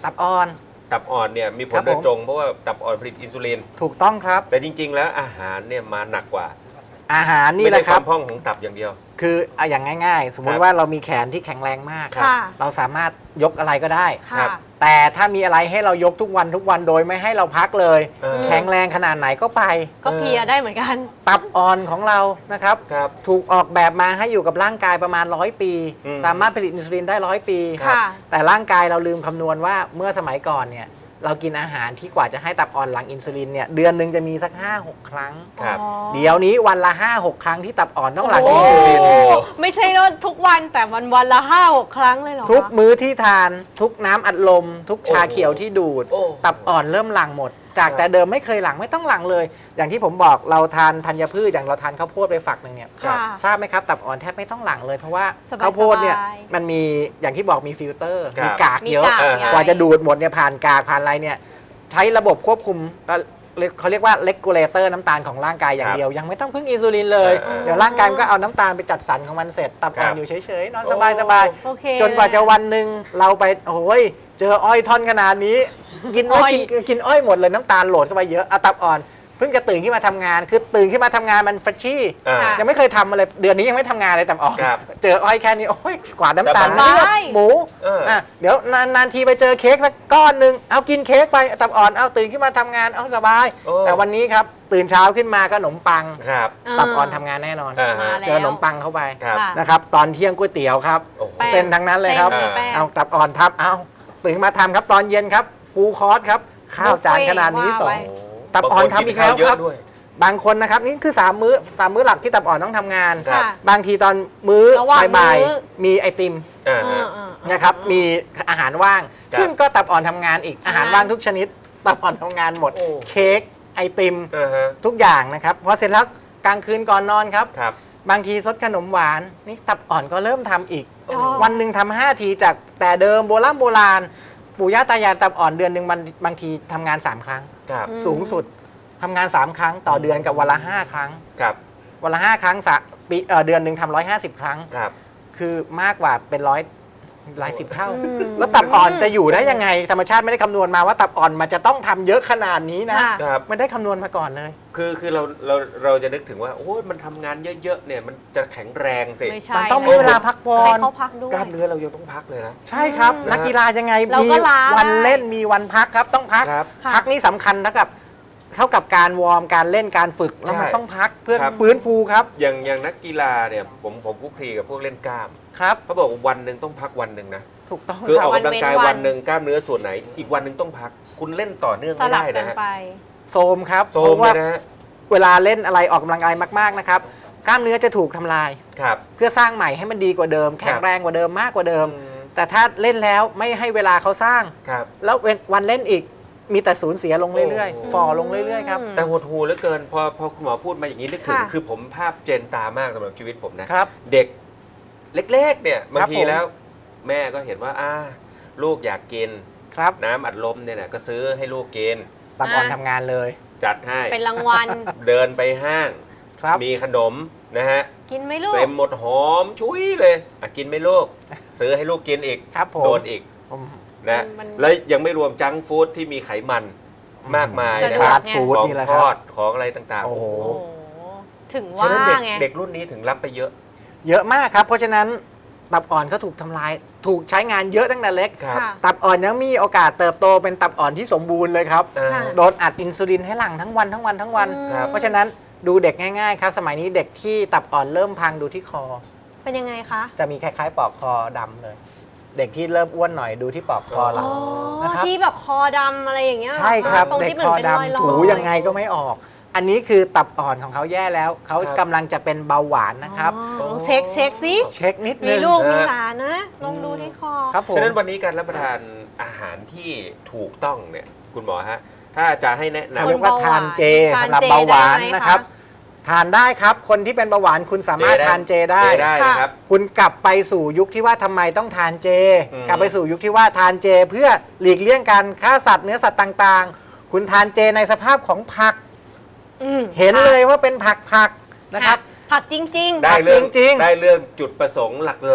[SPEAKER 4] ตับอ่อน
[SPEAKER 2] ตับอ่อนเนี่ยมีผ
[SPEAKER 4] ครั
[SPEAKER 2] ล
[SPEAKER 4] บ
[SPEAKER 2] โดย
[SPEAKER 4] ผม
[SPEAKER 2] ตรงเพราะว่าตับอ่อนผลิตอินซูลิน
[SPEAKER 4] ถูกต้องครับ
[SPEAKER 2] แต่จริง ๆ แล้วอาหารเนี่ยมาหนักกว่า
[SPEAKER 4] อาหารนี่
[SPEAKER 2] ไม่
[SPEAKER 4] แห
[SPEAKER 2] ได้
[SPEAKER 4] ละ
[SPEAKER 2] ค
[SPEAKER 4] ครั
[SPEAKER 2] วา
[SPEAKER 4] บ
[SPEAKER 2] มพร่องของตับอย่างเดียว
[SPEAKER 4] คือเอาอย่างง่ายๆ สมมุ
[SPEAKER 2] ครั
[SPEAKER 4] ติ
[SPEAKER 2] บ
[SPEAKER 4] ว่าเรามีแขนที่แข็งแรงมาก
[SPEAKER 3] ค่ะ
[SPEAKER 4] เราสามารถยกอะไรก็ได้
[SPEAKER 2] ครั
[SPEAKER 3] ค่ะ
[SPEAKER 2] บ
[SPEAKER 4] แต่ถ้ามีอะไรให้เรายกทุกวันโดยไม่ให้เราพักเลย
[SPEAKER 2] เออ
[SPEAKER 4] แข็งแรงขนาดไหนก็ไป
[SPEAKER 3] ก็เพลียได้เหมือนกัน
[SPEAKER 4] ตับอ่อนของเรานะครับ
[SPEAKER 2] ครับ
[SPEAKER 4] ถูกออกแบบมาให้อยู่กับร่างกายประมาณ100 ปี
[SPEAKER 2] อืม
[SPEAKER 4] สามารถผลิตอินซูลินได้100 ปี
[SPEAKER 3] ค่ะ
[SPEAKER 4] แต่ร่างกายเราลืมคำนวณว่าเมื่อสมัยก่อนเนี่ยเรากินอาหารที่กว่าจะให้ตับอ่อนหลังอินซูลินเนี่ยเดือนหนึ่งจะมีสัก 5-6 ครั้ง
[SPEAKER 2] ครับ
[SPEAKER 3] อ๋อ
[SPEAKER 4] เดี๋ยวนี้วันละ 5-6 ครั้งที่ตับอ่อนต้องหลัง
[SPEAKER 3] โอ้
[SPEAKER 4] อินซูลิน
[SPEAKER 3] ไม่ใช่ว่าทุกวันแต่วันละ5-6 ครั้งเลยเหรอคะ
[SPEAKER 4] ทุกมื้อที่ทานทุกน้ำอัดลม ทุกชา
[SPEAKER 2] โอ้โห
[SPEAKER 4] เขียวที่ดูด
[SPEAKER 2] โอ้
[SPEAKER 4] ตับอ่อนเริ่มหลั่งหมด จาก
[SPEAKER 2] ครับ
[SPEAKER 4] แต่เดิมไม่เคยหลั่งไม่ต้องหลั่งเลย อย่างที่ผมบอกเราทานธัญพืชอย่างเราทานข้าวโพดไปฝักหนึ่งเนี่ย
[SPEAKER 3] ค่ะ
[SPEAKER 4] ทราบไหมครับตับอ่อนแทบไม่ต้องหลั่งเลยเพราะว่า
[SPEAKER 3] สบายๆ
[SPEAKER 4] ข้าวโพดเนี่ยมันมีอย่างที่บอกมีฟิลเตอร์
[SPEAKER 2] ครับ
[SPEAKER 4] มีกากเยอะ
[SPEAKER 3] มีกาก
[SPEAKER 2] ใหญ่
[SPEAKER 4] กว่าจะดูดหมดเนี่ยผ่านกากผ่านอะไรเนี่ยใช้ระบบควบคุมเขาเรียกว่าเลกูเลเตอร์น้ำตาลของร่างกายอย่างเดียว ยังไม่ต้องพึ่งอินซูลินเลย เดี๋ยวร่างกายมันก็เอาน้ำตาลไปจัดสรรของมันเสร็จตับอ่อนอยู่เฉยๆนอนสบาย
[SPEAKER 3] โอเค
[SPEAKER 4] ๆจนกว่าจะวันหนึ่งเราไปโอ้ยเจออ้อยท่อนขนาดนี้ กิน
[SPEAKER 3] อ้อย
[SPEAKER 4] กินอ้อยหมดเลยน้ำตาลโหลดเข้าไปเยอะเอาตับอ่อนเพิ่งจะตื่นขึ้นมาทำงาน คือตื่นขึ้นมาทำงานมันเฟรชชี่
[SPEAKER 2] อ่า
[SPEAKER 3] ค่ะ
[SPEAKER 4] ยังไม่เคยทำอะไรเดือนนี้ยังไม่ทำงานเลยตับอ่อน
[SPEAKER 2] ครับ
[SPEAKER 4] เจออ้อยแค่นี้โอ้ยกว่าน้ำตาล
[SPEAKER 2] สบาย
[SPEAKER 4] เลือดหมู
[SPEAKER 2] เอออ่
[SPEAKER 4] ะเดี๋ยวนานๆทีไปเจอเค้กสักก้อนหนึ่งเอากินเค้กไปตับอ่อนเอาตื่นขึ้นมาทำงานเอาสบาย
[SPEAKER 2] โอ้
[SPEAKER 4] แต่วันนี้ครับตื่นเช้าขึ้นมาก็ขนมปัง
[SPEAKER 2] ครับ
[SPEAKER 4] ตับอ่อนทำงานแน่นอน
[SPEAKER 2] อ่าฮะ
[SPEAKER 3] มาแล้ว
[SPEAKER 4] เจอขนมปังเข้าไป
[SPEAKER 2] ครับ
[SPEAKER 3] ค่ะ
[SPEAKER 4] นะครับตอนเที่ยงก๋วยเตี๋ยวครับ
[SPEAKER 2] โอ้โห
[SPEAKER 3] แป้ง
[SPEAKER 4] เส้นทั้งนั้นเลยครับ
[SPEAKER 3] เส้นหรือแป้ง
[SPEAKER 4] เอาตับอ่อนทับเอาตื่นมาทำครับตอนเย็นครับฟูลคอร์สครับข้าวจานขนาดนี้
[SPEAKER 3] บุฟเฟ่ต์
[SPEAKER 4] สอ
[SPEAKER 3] ว่าง ไว้
[SPEAKER 4] ตับอ่อนทำอีกแล้ว
[SPEAKER 2] บางนนข้าเย
[SPEAKER 4] ครับ
[SPEAKER 2] อะด้วย
[SPEAKER 4] บางคนนะครับนี่คือ3 มื้อหลักที่ตับอ่อนต้องทำงาน
[SPEAKER 2] ครับ
[SPEAKER 3] ค่ะ
[SPEAKER 4] บางทีตอนมื้อ
[SPEAKER 3] ระหว่าง
[SPEAKER 4] บ่าย
[SPEAKER 3] มื้อ
[SPEAKER 4] ๆมีไอติม
[SPEAKER 2] อ่า
[SPEAKER 3] เอ
[SPEAKER 2] ฮะ
[SPEAKER 3] อๆ
[SPEAKER 4] นะครับมีอาหารว่าง
[SPEAKER 2] ครับ
[SPEAKER 4] ซึ่งก็ตับอ่อนทำงานอีกอาหารว่างทุกชนิด ตับอ่อนทำงานหมด
[SPEAKER 2] โอ้
[SPEAKER 4] เค้กไอติม
[SPEAKER 2] อ่าฮะ
[SPEAKER 4] ทุกอย่างนะครับพอเสร็จแล้วกลางคืนก่อนนอนครับ
[SPEAKER 2] ครับ
[SPEAKER 4] บางทีซดขนมหวานนี่ตับอ่อนก็เริ่มทำอีก
[SPEAKER 3] อ๋อ
[SPEAKER 4] วันหนึ่งทำ5 ทีจากแต่เดิมโบราณปู่ย่าตายายตับอ่อนเดือนหนึ่งมันบางทีทำงาน3 ครั้ง
[SPEAKER 2] ครับ
[SPEAKER 4] สูงสุดทำงาน3 ครั้งต่อเดือนกับวันละ5 ครั้ง
[SPEAKER 2] ครับ
[SPEAKER 4] วันละ5 ครั้งเดือนหนึ่งทำ150 ครั้ง
[SPEAKER 2] ครับ
[SPEAKER 4] คือมากกว่าเป็นหลายสิบเท่า
[SPEAKER 3] อืม
[SPEAKER 4] แล้วตับอ่อนจะอยู่ได้ยังไง ธรรมชาติไม่ได้คำนวณมาว่าตับอ่อนมันจะต้องทำเยอะขนาดนี้นะ
[SPEAKER 3] ค่ะ
[SPEAKER 2] ครับ
[SPEAKER 4] ไม่ได้คำนวณมาก่อนเลย
[SPEAKER 2] คือเราจะนึกถึงว่าโอ้ยมันทำงานเยอะๆเนี่ยมันจะแข็งแรงสิ
[SPEAKER 3] ไม่ใช่
[SPEAKER 4] มันต้องมีเวลาพักผ่อ
[SPEAKER 3] ให้
[SPEAKER 4] น
[SPEAKER 3] เขาพักด้วย
[SPEAKER 2] กล้ามเนื้อเรายังต้องพักเลยนะ
[SPEAKER 4] ใช่ครับ
[SPEAKER 2] อืม
[SPEAKER 4] นักกีฬายังไง
[SPEAKER 3] เรา
[SPEAKER 4] มี
[SPEAKER 3] ก็ล้า
[SPEAKER 4] วัน
[SPEAKER 3] ได้
[SPEAKER 4] เล่นมีวันพักครับต้องพัก
[SPEAKER 2] ครับ
[SPEAKER 3] ค่ะ
[SPEAKER 4] พักนี่สำคัญเท่ากับการวอร์มการเล่นการฝึกแล้วมัน
[SPEAKER 2] ใช่
[SPEAKER 4] ต้องพักเพื่อ
[SPEAKER 2] ครับ
[SPEAKER 4] ฟื้นฟูครับ
[SPEAKER 2] อย่างนักกีฬาเนี่ยผมคลุกคลีกับพวกเล่นกล้าม
[SPEAKER 4] ครับ
[SPEAKER 2] เขาบอกว่าวันหนึ่งต้องพักวันหนึ่งนะ
[SPEAKER 4] ถูกต้อง
[SPEAKER 2] คือ
[SPEAKER 4] ค
[SPEAKER 2] อ
[SPEAKER 4] รั
[SPEAKER 2] อบ กกำลังกาย
[SPEAKER 3] วันเว้นวัน
[SPEAKER 2] วันหนึ่งกล้ามเนื้อส่วนไหน อีกวันหนึ่งต้องพัก คุณเล่นต่อเนื่อง
[SPEAKER 3] ส
[SPEAKER 2] ไม่
[SPEAKER 3] ลับ
[SPEAKER 2] ได้
[SPEAKER 3] กั
[SPEAKER 2] นะ
[SPEAKER 3] น
[SPEAKER 2] ฮะ
[SPEAKER 3] ไป
[SPEAKER 4] โซมครับ
[SPEAKER 2] โซ
[SPEAKER 4] เพ
[SPEAKER 2] ม
[SPEAKER 4] ราะ
[SPEAKER 2] เล
[SPEAKER 4] ว่าย
[SPEAKER 2] นะฮะ
[SPEAKER 4] เวลาเล่นอะไรออกกำลังกายมากๆนะครับกล้ามเนื้อจะถูกทำลาย
[SPEAKER 2] ครับ
[SPEAKER 4] เพื่อสร้างใหม่ให้มันดีกว่าเดิม แข็งแรงกว่าเดิมมากกว่าเดิม
[SPEAKER 2] อืม
[SPEAKER 4] แต่ถ้าเล่นแล้วไม่ให้เวลาเขาสร้าง
[SPEAKER 2] ครับ
[SPEAKER 4] แล้ววันเล่นอีกมีแต่สูญเสียลงเรื่อย
[SPEAKER 2] โอ้
[SPEAKER 4] ๆฝ่อลงเรื่อยๆครับ
[SPEAKER 3] อืม
[SPEAKER 2] แต่หดหูเหลือเกินพอคุณหมอพูดมาอย่างนี้นึกถึง
[SPEAKER 3] ค่ะ
[SPEAKER 2] คือผมภาพเจนตามากสำหรับชีวิตผมนะ
[SPEAKER 4] ครับ
[SPEAKER 2] เด็กเล็กๆเนี่ยบางที
[SPEAKER 4] ผม
[SPEAKER 2] แล้ว แม่ก็เห็นว่าลูกอยากกิน
[SPEAKER 4] ครับ
[SPEAKER 2] น้ำอัดลมเนี่ยนะก็ซื้อให้ลูกกิน
[SPEAKER 4] ตับอ่อนทำงานเลย
[SPEAKER 2] จัดให้
[SPEAKER 3] เป็นรางวัล
[SPEAKER 2] เดินไปห้าง
[SPEAKER 4] ครับ
[SPEAKER 2] มีขนมนะฮะ
[SPEAKER 3] กินไหมลูก
[SPEAKER 2] เต็มหมดหอมชุยเลยกินไหมลูก ซื้อให้ลูกกินอีก
[SPEAKER 4] ครับผม
[SPEAKER 2] โดนอีก
[SPEAKER 4] ผม
[SPEAKER 2] นะ
[SPEAKER 3] มัน
[SPEAKER 2] แล้วยังไม่รวมจังก์ฟู้ดที่มีไขมันมากมาย
[SPEAKER 3] สะ
[SPEAKER 2] นะ
[SPEAKER 3] ดวก
[SPEAKER 2] ครับ
[SPEAKER 3] ไง
[SPEAKER 4] ฟู้ด
[SPEAKER 2] ของ
[SPEAKER 4] นี่แหละ
[SPEAKER 2] ท
[SPEAKER 4] ครั
[SPEAKER 2] อบ ดของอะไรต่างๆ
[SPEAKER 4] โอ้โห
[SPEAKER 3] โอ้โหถึง
[SPEAKER 2] ฉะ
[SPEAKER 3] ว่า
[SPEAKER 2] นั้นเด็ก
[SPEAKER 3] ไง
[SPEAKER 2] เด็กรุ่นนี้ถึงรับไปเยอะ
[SPEAKER 4] เยอะมากครับ เพราะฉะนั้นตับอ่อนก็ถูกทำลาย ถูกใช้งานเยอะตั้งแต่เล็ก
[SPEAKER 2] ครับ
[SPEAKER 3] ค่ะ
[SPEAKER 4] ตับอ่อนยังมีโอกาสเติบโตเป็นตับอ่อนที่สมบูรณ์เลยครับ
[SPEAKER 2] อ่า
[SPEAKER 3] ค่ะ
[SPEAKER 4] โดนอัดอินซูลินให้หลั่งทั้งวันทั้งวันทั้งวัน
[SPEAKER 3] อืม
[SPEAKER 2] ครับ
[SPEAKER 4] เพราะฉะนั้นดูเด็กง่ายๆครับ สมัยนี้เด็กที่ตับอ่อนเริ่มพังดูที่คอ
[SPEAKER 3] เป็นยังไงคะ
[SPEAKER 4] จะมีคล้ายๆปลอกคอดำเลย เด็กที่เริ่มอ้วนหน่อยดูที่ปลอกคอเรา
[SPEAKER 3] อ๋อ
[SPEAKER 4] นะครับ
[SPEAKER 3] ที่แบบคอดำอะไรอย่างเงี้ยเหอ
[SPEAKER 4] ใช่ครับ
[SPEAKER 3] ตรง
[SPEAKER 4] เด็ก
[SPEAKER 3] ที่มัน
[SPEAKER 4] คอ
[SPEAKER 3] เป็นรอย
[SPEAKER 4] ดำ
[SPEAKER 3] ๆ
[SPEAKER 4] ถูยังไงก็ไม่ออก อันนี้คือตับอ่อนของเขาแย่แล้ว เขา
[SPEAKER 2] ครับ
[SPEAKER 4] กำลังจะเป็นเบาหวานนะครับ
[SPEAKER 3] อ๋อเช็คสิ
[SPEAKER 4] เช็คนิด
[SPEAKER 3] มี
[SPEAKER 4] นึง
[SPEAKER 3] ลูกมีหลานนะลองดูที่คอ
[SPEAKER 4] ครับผม
[SPEAKER 2] ฉะนั้นวันนี้การรับประทานอาหารที่ถูกต้องเนี่ยคุณหมอฮะถ้าจะให้แนะ
[SPEAKER 4] เขา
[SPEAKER 2] นำ
[SPEAKER 4] เรียกว่าทานเจ
[SPEAKER 3] ทาน
[SPEAKER 4] สำหรับ
[SPEAKER 3] เจ
[SPEAKER 4] เบาหวาน
[SPEAKER 3] ได้ไหม
[SPEAKER 4] นะครับ
[SPEAKER 3] คะ
[SPEAKER 4] ทานได้ครับ คนที่เป็นเบาหวานคุณสามารถทานเจได้
[SPEAKER 2] ได้
[SPEAKER 3] ค่ะ
[SPEAKER 2] นะครับ
[SPEAKER 4] คุณกลับไปสู่ยุคที่ว่าทำไมต้องทานเจ
[SPEAKER 2] อืม
[SPEAKER 4] กลับไปสู่ยุคที่ว่าทานเจ เพื่อหลีกเลี่ยงการฆ่าสัตว์เนื้อสัตว์ต่างๆ คุณทานเจในสภาพของผัก
[SPEAKER 3] อืม
[SPEAKER 4] เห็นเลยว่าเป็นผักนะครับ
[SPEAKER 3] ผักจริง
[SPEAKER 2] ได้เรื่อง
[SPEAKER 4] จริงๆ
[SPEAKER 2] ได้เรื่องจุดประสงค์หลัก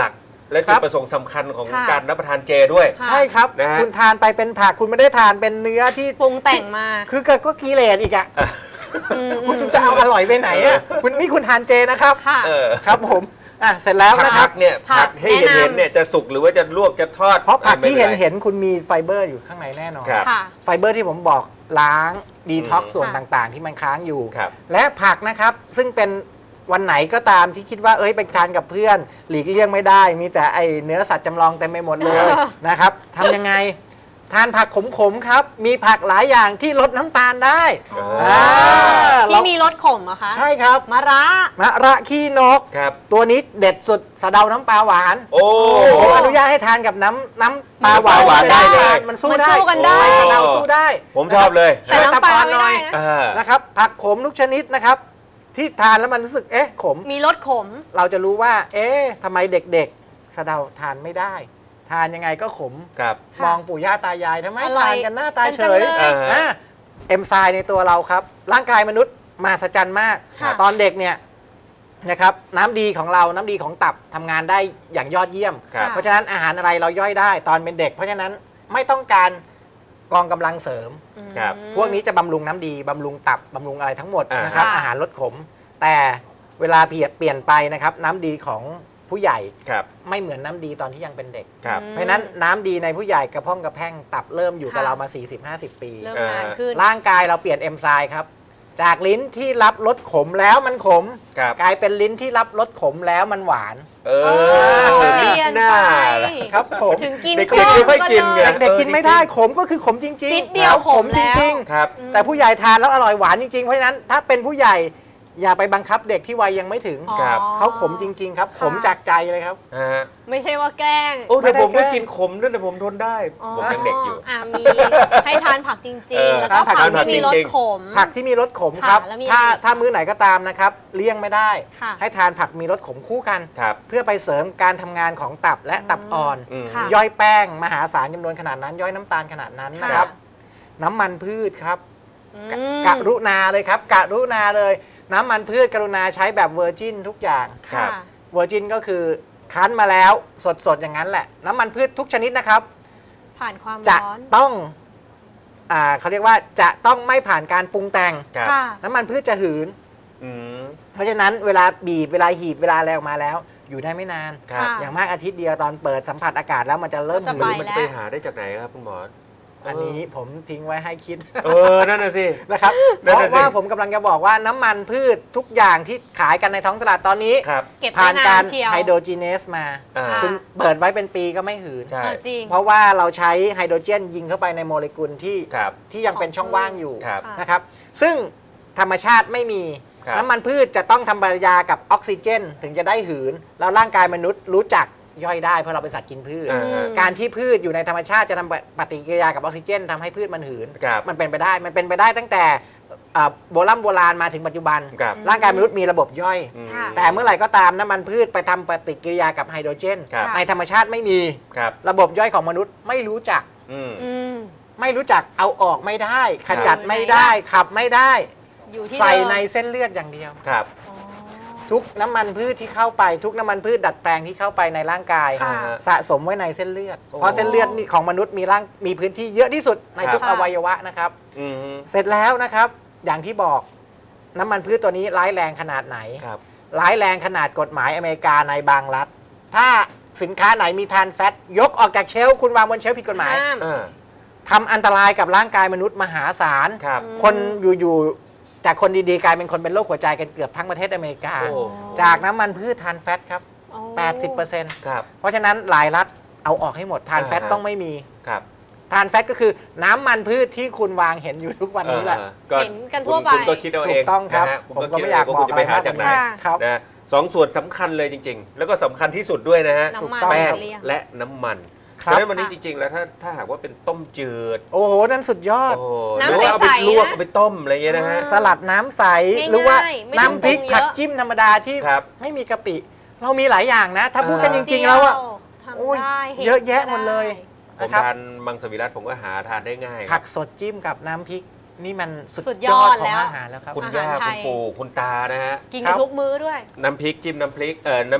[SPEAKER 2] และ
[SPEAKER 4] ครั
[SPEAKER 2] จุด
[SPEAKER 4] บ
[SPEAKER 2] ประสงค์สำคัญของ
[SPEAKER 3] ค่ะ
[SPEAKER 2] การรับประทานเจด้วย
[SPEAKER 3] ค่ะ
[SPEAKER 4] ใช่ครับ
[SPEAKER 2] นะฮะ
[SPEAKER 4] คุณทานไปเป็นผักคุณไม่ได้ทานเป็นเนื้อที่
[SPEAKER 3] ปรุงแต่งมา
[SPEAKER 4] คือก็กิเลสอีกอะ
[SPEAKER 3] อืม
[SPEAKER 4] คุณจะเอาอร่อยไปไหนอะคุณนี่คุณทานเจนะครับ
[SPEAKER 3] ค่ะ
[SPEAKER 2] เออ
[SPEAKER 4] ครับผมเสร็จแล้วนะค
[SPEAKER 2] ผั
[SPEAKER 4] รับ
[SPEAKER 2] กเนี่ย
[SPEAKER 3] ผั
[SPEAKER 2] ผั
[SPEAKER 3] ก
[SPEAKER 2] กให้เห็น
[SPEAKER 3] แนะนำ
[SPEAKER 2] เนี่ยจะสุกหรือว่าจะลวกจะทอด
[SPEAKER 4] เพราะผักที่
[SPEAKER 2] ไม่ป็ไร
[SPEAKER 4] เห็นคุณมีไฟเบอร์อยู่ข้างในแน่นอน
[SPEAKER 2] ครับ
[SPEAKER 3] ค่ะ
[SPEAKER 4] ไฟเบอร์ที่ผมบอกล้างดีท็อกซ์ส่วน
[SPEAKER 3] ค่ะ
[SPEAKER 4] ต่างๆ ที่มันค้างอยู่
[SPEAKER 2] ครับ
[SPEAKER 4] และผักนะครับซึ่งเป็นวันไหนก็ตามที่คิดว่าไปทานกับเพื่อน หลีกเลี่ยงไม่ได้ มีแต่ไอเนื้อสัตว์จำลองเต็มไปหมดเลย นะครับทำยังไงทานผักขมๆครับ มีผักหลายอย่างที่ลดน้ำตาลได้
[SPEAKER 3] อ๋อ
[SPEAKER 4] เรา
[SPEAKER 3] ที่มีรสขมเหรอคะ
[SPEAKER 4] ใช่ครับ
[SPEAKER 3] มะระ
[SPEAKER 4] มะระขี้นก
[SPEAKER 2] ครับ
[SPEAKER 4] ตัวนี้เด็ดสุดสะเดาน้ำปลาหวาน
[SPEAKER 2] โอ้
[SPEAKER 4] ผมอนุญาตให้ทานกับน้ำปลาหวาน
[SPEAKER 2] น้ำปลาหวานได้เลย
[SPEAKER 4] มันสู้
[SPEAKER 3] มัน
[SPEAKER 4] ได้
[SPEAKER 3] สู้กันได้
[SPEAKER 4] สะเดาสู้ได้
[SPEAKER 2] ผมชอบเลย
[SPEAKER 3] แต่น้ำปลาไม่ได้นะ
[SPEAKER 2] อ่า
[SPEAKER 4] นะครับผักขมทุกชนิดนะครับ ที่ทานแล้วมันรู้สึกขม
[SPEAKER 3] มีรสขม
[SPEAKER 4] เราจะรู้ว่าทำไมเด็กๆสะเดาทานไม่ได้ ทานยังไงก็ขม
[SPEAKER 2] ครับ
[SPEAKER 3] ค่ะ
[SPEAKER 4] มองปู่ย่าตายายทำไม
[SPEAKER 3] อะไร
[SPEAKER 4] ทานกันหน้าตาเฉย
[SPEAKER 3] กันจังเลย
[SPEAKER 2] อ่า
[SPEAKER 4] เอนไซม์ในตัวเราครับ ร่างกายมนุษย์มหัศจรรย์มาก
[SPEAKER 3] ค่ะ
[SPEAKER 4] ตอนเด็กเนี่ยนะครับน้ำดีของเราน้ำดีของตับทำงานได้อย่างยอดเยี่ยม
[SPEAKER 2] ครับ
[SPEAKER 4] เพราะฉะนั้นอาหารอะไรเราย่อยได้ตอนเป็นเด็ก เพราะฉะนั้นไม่ต้องการกองกำลังเสริม
[SPEAKER 2] ครับ
[SPEAKER 3] อืม
[SPEAKER 4] พวกนี้จะบำรุงน้ำดีบำรุงตับบำรุงอะไรทั้งหมด
[SPEAKER 2] อ่าน
[SPEAKER 4] นะครับ
[SPEAKER 3] ค่ะ
[SPEAKER 4] อาหารลดขม แต่เวลาเปลี่ยนไปนะครับน้ำดีของผู้ใหญ่
[SPEAKER 2] ครับ
[SPEAKER 4] ไม่เหมือนน้ำดีตอนที่ยังเป็นเด็ก
[SPEAKER 2] ครับ
[SPEAKER 3] อืม
[SPEAKER 4] เพราะฉะนั้นน้ำดีในผู้ใหญ่กระพ้องกระแพร่งตับเริ่มอยู่กับ
[SPEAKER 3] ค่ะ
[SPEAKER 4] เรามา 40-50 ปี
[SPEAKER 3] เริ่มนานขึ้น
[SPEAKER 4] ร่างกายเราเปลี่ยนเอนไซม์ครับ จากลิ้นที่รับรสขมแล้วมันขม
[SPEAKER 2] ครับ
[SPEAKER 4] กลายเป็นลิ้นที่รับรสขมแล้วมันหวาน
[SPEAKER 2] เอ
[SPEAKER 3] เอ
[SPEAKER 2] อ
[SPEAKER 3] อเปลี่ยน
[SPEAKER 2] หน้า
[SPEAKER 3] ไป
[SPEAKER 2] ล่ะ
[SPEAKER 4] ครับผม
[SPEAKER 3] ถึงกิน
[SPEAKER 2] เด็กๆไม่ค่อยกินไง
[SPEAKER 4] เด็กๆกินไม่ได้ขมก็คือขมจริง
[SPEAKER 3] นิดเดียวขม
[SPEAKER 4] จ
[SPEAKER 3] แล้ว
[SPEAKER 4] ริง
[SPEAKER 2] ครับ
[SPEAKER 4] ๆ แต่ผู้ใหญ่ทานแล้วอร่อยหวานจริงๆ เพราะฉะนั้นถ้าเป็นผู้ใหญ่อย่าไปบังคับเด็กที่วัยยังไม่ถึง
[SPEAKER 3] อ๋อ
[SPEAKER 2] ครับ
[SPEAKER 4] เขาขมจริง ๆ ครับ
[SPEAKER 3] ค่ะ
[SPEAKER 4] ขมจากใจเลยครับ
[SPEAKER 2] ฮะ
[SPEAKER 3] ไม่ใช่ว่าแกล้ง
[SPEAKER 2] โอ้แต่ผม
[SPEAKER 4] ไม่
[SPEAKER 2] ก็
[SPEAKER 4] ได้แกล้ง
[SPEAKER 2] กินขมด้วยแต่ผมทนได้ ผมยังเด็กอยู่
[SPEAKER 3] มีให้ทานผักจ
[SPEAKER 2] เอ
[SPEAKER 3] ริง
[SPEAKER 2] อ
[SPEAKER 3] ๆ แล้วก็
[SPEAKER 4] ทานผั
[SPEAKER 3] ผั
[SPEAKER 4] ก
[SPEAKER 3] กที่มีรส
[SPEAKER 2] จริงๆ
[SPEAKER 3] ขม
[SPEAKER 4] ผักที่มีรสขม
[SPEAKER 3] ค่ะ
[SPEAKER 4] ครับ
[SPEAKER 3] แล้วมี
[SPEAKER 4] ถ้า
[SPEAKER 3] อะไรอีก
[SPEAKER 4] ถ้ามื้อไหนก็ตามนะครับเลี่ยงไม่ได้
[SPEAKER 3] ค่ะ
[SPEAKER 4] ให้ทานผักมีรสขมคู่กัน
[SPEAKER 2] ครับ
[SPEAKER 4] เพื่อไปเสริมการทำงานของตับและตับอ่อน
[SPEAKER 2] อืม
[SPEAKER 3] ค่ะ
[SPEAKER 4] ย่อยแป้งมหาศาลจำนวนขนาดนั้น ย่อยน้ำตาลขนาดนั้นนะครับ น้ำมันพืชครับ
[SPEAKER 3] อืม
[SPEAKER 4] กรุณาเลยครับกรุณาเลย น้ำมันพืชกรุณาใช้แบบเวอร์จินทุกอย่าง
[SPEAKER 2] ครับ
[SPEAKER 4] เวอร์จินก็คือคั้นมาแล้วสดๆอย่างนั้นแหละ น้ำมันพืชทุกชนิดนะครับ
[SPEAKER 3] ผ่านความ
[SPEAKER 4] จะ
[SPEAKER 3] ร้อน
[SPEAKER 4] ต้องเขาเรียกว่าจะต้องไม่ผ่านการปรุงแต่ง
[SPEAKER 2] ครับ
[SPEAKER 3] ค่ะ
[SPEAKER 4] น้ำมันพืชจะหืน
[SPEAKER 2] อืม
[SPEAKER 4] เพราะฉะนั้นเวลาบีบเวลาหีบเวลาอะไรออกมาแล้ว อยู่ได้ไม่นาน
[SPEAKER 2] ครับ
[SPEAKER 3] ค่ะ
[SPEAKER 4] อย่างมากอาทิตย์เดียวตอนเปิดสัมผัสอากาศแล้วมันจะเริ่ม
[SPEAKER 3] จะ
[SPEAKER 4] หื
[SPEAKER 3] ไป
[SPEAKER 4] น
[SPEAKER 2] มันจะไปหาได้จากไหนครับคุณหมอ
[SPEAKER 4] อันนี้ผมทิ้งไว้ให้คิด
[SPEAKER 2] เออ นั่นน่ะสิ
[SPEAKER 4] นะครับ
[SPEAKER 2] นั่
[SPEAKER 4] เพ
[SPEAKER 2] น
[SPEAKER 4] ราะ
[SPEAKER 2] น่ะสิ
[SPEAKER 4] ว่าผมกำลังจะบอกว่าน้ำมันพืชทุกอย่างที่ขายกันในท้องตลาดตอนนี้
[SPEAKER 2] ครับ
[SPEAKER 3] เก็บ
[SPEAKER 4] ผ่าน
[SPEAKER 3] ได้
[SPEAKER 4] กาน
[SPEAKER 3] าร นเชียว
[SPEAKER 4] ไฮโดรจีเนสมา
[SPEAKER 2] อ่า
[SPEAKER 3] ค่ะ
[SPEAKER 4] คุณเปิดไว้เป็นปีก็ไม่หืน
[SPEAKER 2] ใช่
[SPEAKER 3] เออจริง
[SPEAKER 4] เพราะว่าเราใช้ไฮโดรเจนยิงเข้าไปในโมเลกุลที่
[SPEAKER 2] ครับ
[SPEAKER 4] ที่ยังเป็นช่องว่างอยู่
[SPEAKER 2] ครับ
[SPEAKER 3] ค่ะ
[SPEAKER 4] นะครับ ซึ่งธรรมชาติไม่มี
[SPEAKER 2] ครับ
[SPEAKER 4] น้ำมันพืชจะต้องทำปฏิกิริยากับออกซิเจน ถึงจะได้หืน แล้วร่างกายมนุษย์รู้จักย่อยได้เพราะเราเป็นสัตว์กินพืช
[SPEAKER 2] อ่าฮะ
[SPEAKER 4] การที่พืชอยู่ในธรรมชาติจะทำปฏิกิริยากับออกซิเจนทำให้พืชมันหืน
[SPEAKER 2] ครับ
[SPEAKER 4] มันเป็นไปได้ มันเป็นไปได้ตั้งแต่โบราณมาถึงปัจจุบัน
[SPEAKER 2] ครับ
[SPEAKER 4] ร่างกายมนุษย์มีระบบย่อย
[SPEAKER 2] อืม
[SPEAKER 3] ค่ะ
[SPEAKER 4] แต่เมื่อไหร่ก็ตามน้ำมันพืชไปทำปฏิกิริยากับไฮโดรเจน
[SPEAKER 2] ครับ
[SPEAKER 4] ในธรรมชาติไม่มี
[SPEAKER 2] ครับ
[SPEAKER 4] ระบบย่อยของมนุษย์ไม่รู้จัก
[SPEAKER 2] อืม
[SPEAKER 3] อืม
[SPEAKER 4] ไม่รู้จักเอาออกไม่ได้ ขจัด
[SPEAKER 3] ครับ
[SPEAKER 4] ไม่ได้ขับไม่ได้
[SPEAKER 3] อยู่ที่
[SPEAKER 4] ใส่
[SPEAKER 3] เดิม
[SPEAKER 4] ในเส้นเลือดอย่างเดียว
[SPEAKER 2] ครับ
[SPEAKER 3] อ๋อ
[SPEAKER 4] ทุกน้ำมันพืชที่เข้าไป ทุกน้ำมันพืชดัดแปลงที่เข้าไปในร่างกาย
[SPEAKER 3] ค่ะ
[SPEAKER 4] สะสมไว้ในเส้นเลือด
[SPEAKER 2] โอ้
[SPEAKER 4] เพราะเส้นเลือดนี่ของมนุษย์มีพื้นที่เยอะที่สุดในทุก
[SPEAKER 3] ครั
[SPEAKER 4] อบ วัยวะนะครับ
[SPEAKER 2] อืม
[SPEAKER 4] เสร็จแล้วนะครับ อย่างที่บอกน้ำมันพืชตัวนี้ร้ายแรงขนาดไหน
[SPEAKER 2] ครับ
[SPEAKER 4] ร้ายแรงขนาดกฎหมายอเมริกาในบางรัฐ ถ้าสินค้าไหนมีทานแฟตยกออกจากเชลฟ์คุณวางบนเชลฟ์ผิดกฎหมาย
[SPEAKER 3] ห้าม
[SPEAKER 2] อ่า
[SPEAKER 4] ทำอันตรายกับร่างกายมนุษย์มหาศาล
[SPEAKER 2] ครับ
[SPEAKER 4] คนอยู่ๆจากคนดีๆกลายเป็นคนเป็นโรคหัวใจกันเกือบทั้งประเทศอเมริกา
[SPEAKER 2] โอ้
[SPEAKER 4] จากน้ำมันพืชทานแฟตครับ
[SPEAKER 3] โอ้
[SPEAKER 4] 80%
[SPEAKER 2] ครับ
[SPEAKER 4] เพราะฉะนั้นหลายรัฐเอาออกให้หมดทานแฟต
[SPEAKER 2] อ่าฮะ
[SPEAKER 4] ต้องไม่มี
[SPEAKER 2] ครับ
[SPEAKER 4] ทานแฟตก็คือน้ำมันพืชที่คุณวางเห็นอยู่ทุกวันนี้แหละ
[SPEAKER 3] เห็นกันทั่วไป
[SPEAKER 2] คุณก็คิดเอา
[SPEAKER 4] ถู
[SPEAKER 2] เอง
[SPEAKER 4] กต้องครับ
[SPEAKER 2] นะฮะณ
[SPEAKER 4] ผมก็
[SPEAKER 2] คิด
[SPEAKER 4] ไม่อยาก
[SPEAKER 2] เง
[SPEAKER 4] บอก
[SPEAKER 2] คุณจะไปหาจากไหน
[SPEAKER 3] ค่ะ
[SPEAKER 4] ครับ
[SPEAKER 2] นะสองส่วนสำคัญเลยจริง ๆ แล้วก็สำคัญที่สุดด้วยนะฮะ
[SPEAKER 3] น้ำมัน
[SPEAKER 4] ถูกต้อง
[SPEAKER 2] แป้ง
[SPEAKER 3] เลี่ยง
[SPEAKER 2] และน้ำมัน
[SPEAKER 4] ครับ
[SPEAKER 2] ฉะนั้นวันนี้จริง ๆ แล้วถ้าหากว่าเป็นต้มจืด
[SPEAKER 4] โอ้โห นั่นสุดยอด
[SPEAKER 2] โอ้
[SPEAKER 3] น้ำ
[SPEAKER 2] หรือว่าเอาไป
[SPEAKER 3] ใสๆ
[SPEAKER 2] ลวก
[SPEAKER 3] นะ
[SPEAKER 2] เอาไปต้มอะไรเงี้ยนะฮะ
[SPEAKER 4] สลัดน้ำใส
[SPEAKER 3] ง่ายๆ
[SPEAKER 4] หรือว่า
[SPEAKER 3] ไม่ต้อง
[SPEAKER 4] น้ำพริก
[SPEAKER 3] ปรุงเยอะ
[SPEAKER 4] ผักจิ้มธรรมดาที่
[SPEAKER 2] ครับ
[SPEAKER 4] ไม่มีกะปิ เรามีหลายอย่างนะ ถ้าพูดกัน
[SPEAKER 2] เอ
[SPEAKER 4] จ
[SPEAKER 2] อ
[SPEAKER 4] ริง ๆ แล้วอะ
[SPEAKER 3] ทำ
[SPEAKER 4] โอ้ย
[SPEAKER 3] ได้ห็น
[SPEAKER 4] เยอะแยะหมดเลย
[SPEAKER 3] ได้
[SPEAKER 2] ผม
[SPEAKER 4] นะครับ
[SPEAKER 2] ทานมังสวิรัติผมก็หาทานได้ง่าย
[SPEAKER 4] ผักสดจิ้มกับน้ำพริก นี่มันสุ
[SPEAKER 3] สุ
[SPEAKER 4] ด
[SPEAKER 3] ด
[SPEAKER 4] ย
[SPEAKER 3] ย
[SPEAKER 4] อ
[SPEAKER 3] อ
[SPEAKER 4] ด
[SPEAKER 3] ด
[SPEAKER 4] ขอ
[SPEAKER 3] แล้
[SPEAKER 4] ง
[SPEAKER 3] ว
[SPEAKER 4] อาหารแล้วครับ
[SPEAKER 2] คุณ
[SPEAKER 3] อาหาร
[SPEAKER 2] ย่า
[SPEAKER 3] ไท
[SPEAKER 2] คุณ
[SPEAKER 3] ย
[SPEAKER 2] ปู่คุณตานะฮะ
[SPEAKER 3] กิน
[SPEAKER 4] ครั
[SPEAKER 3] กับ นทุกมื้อด้วย
[SPEAKER 2] น้ำพริกจิ้มน้ำพริก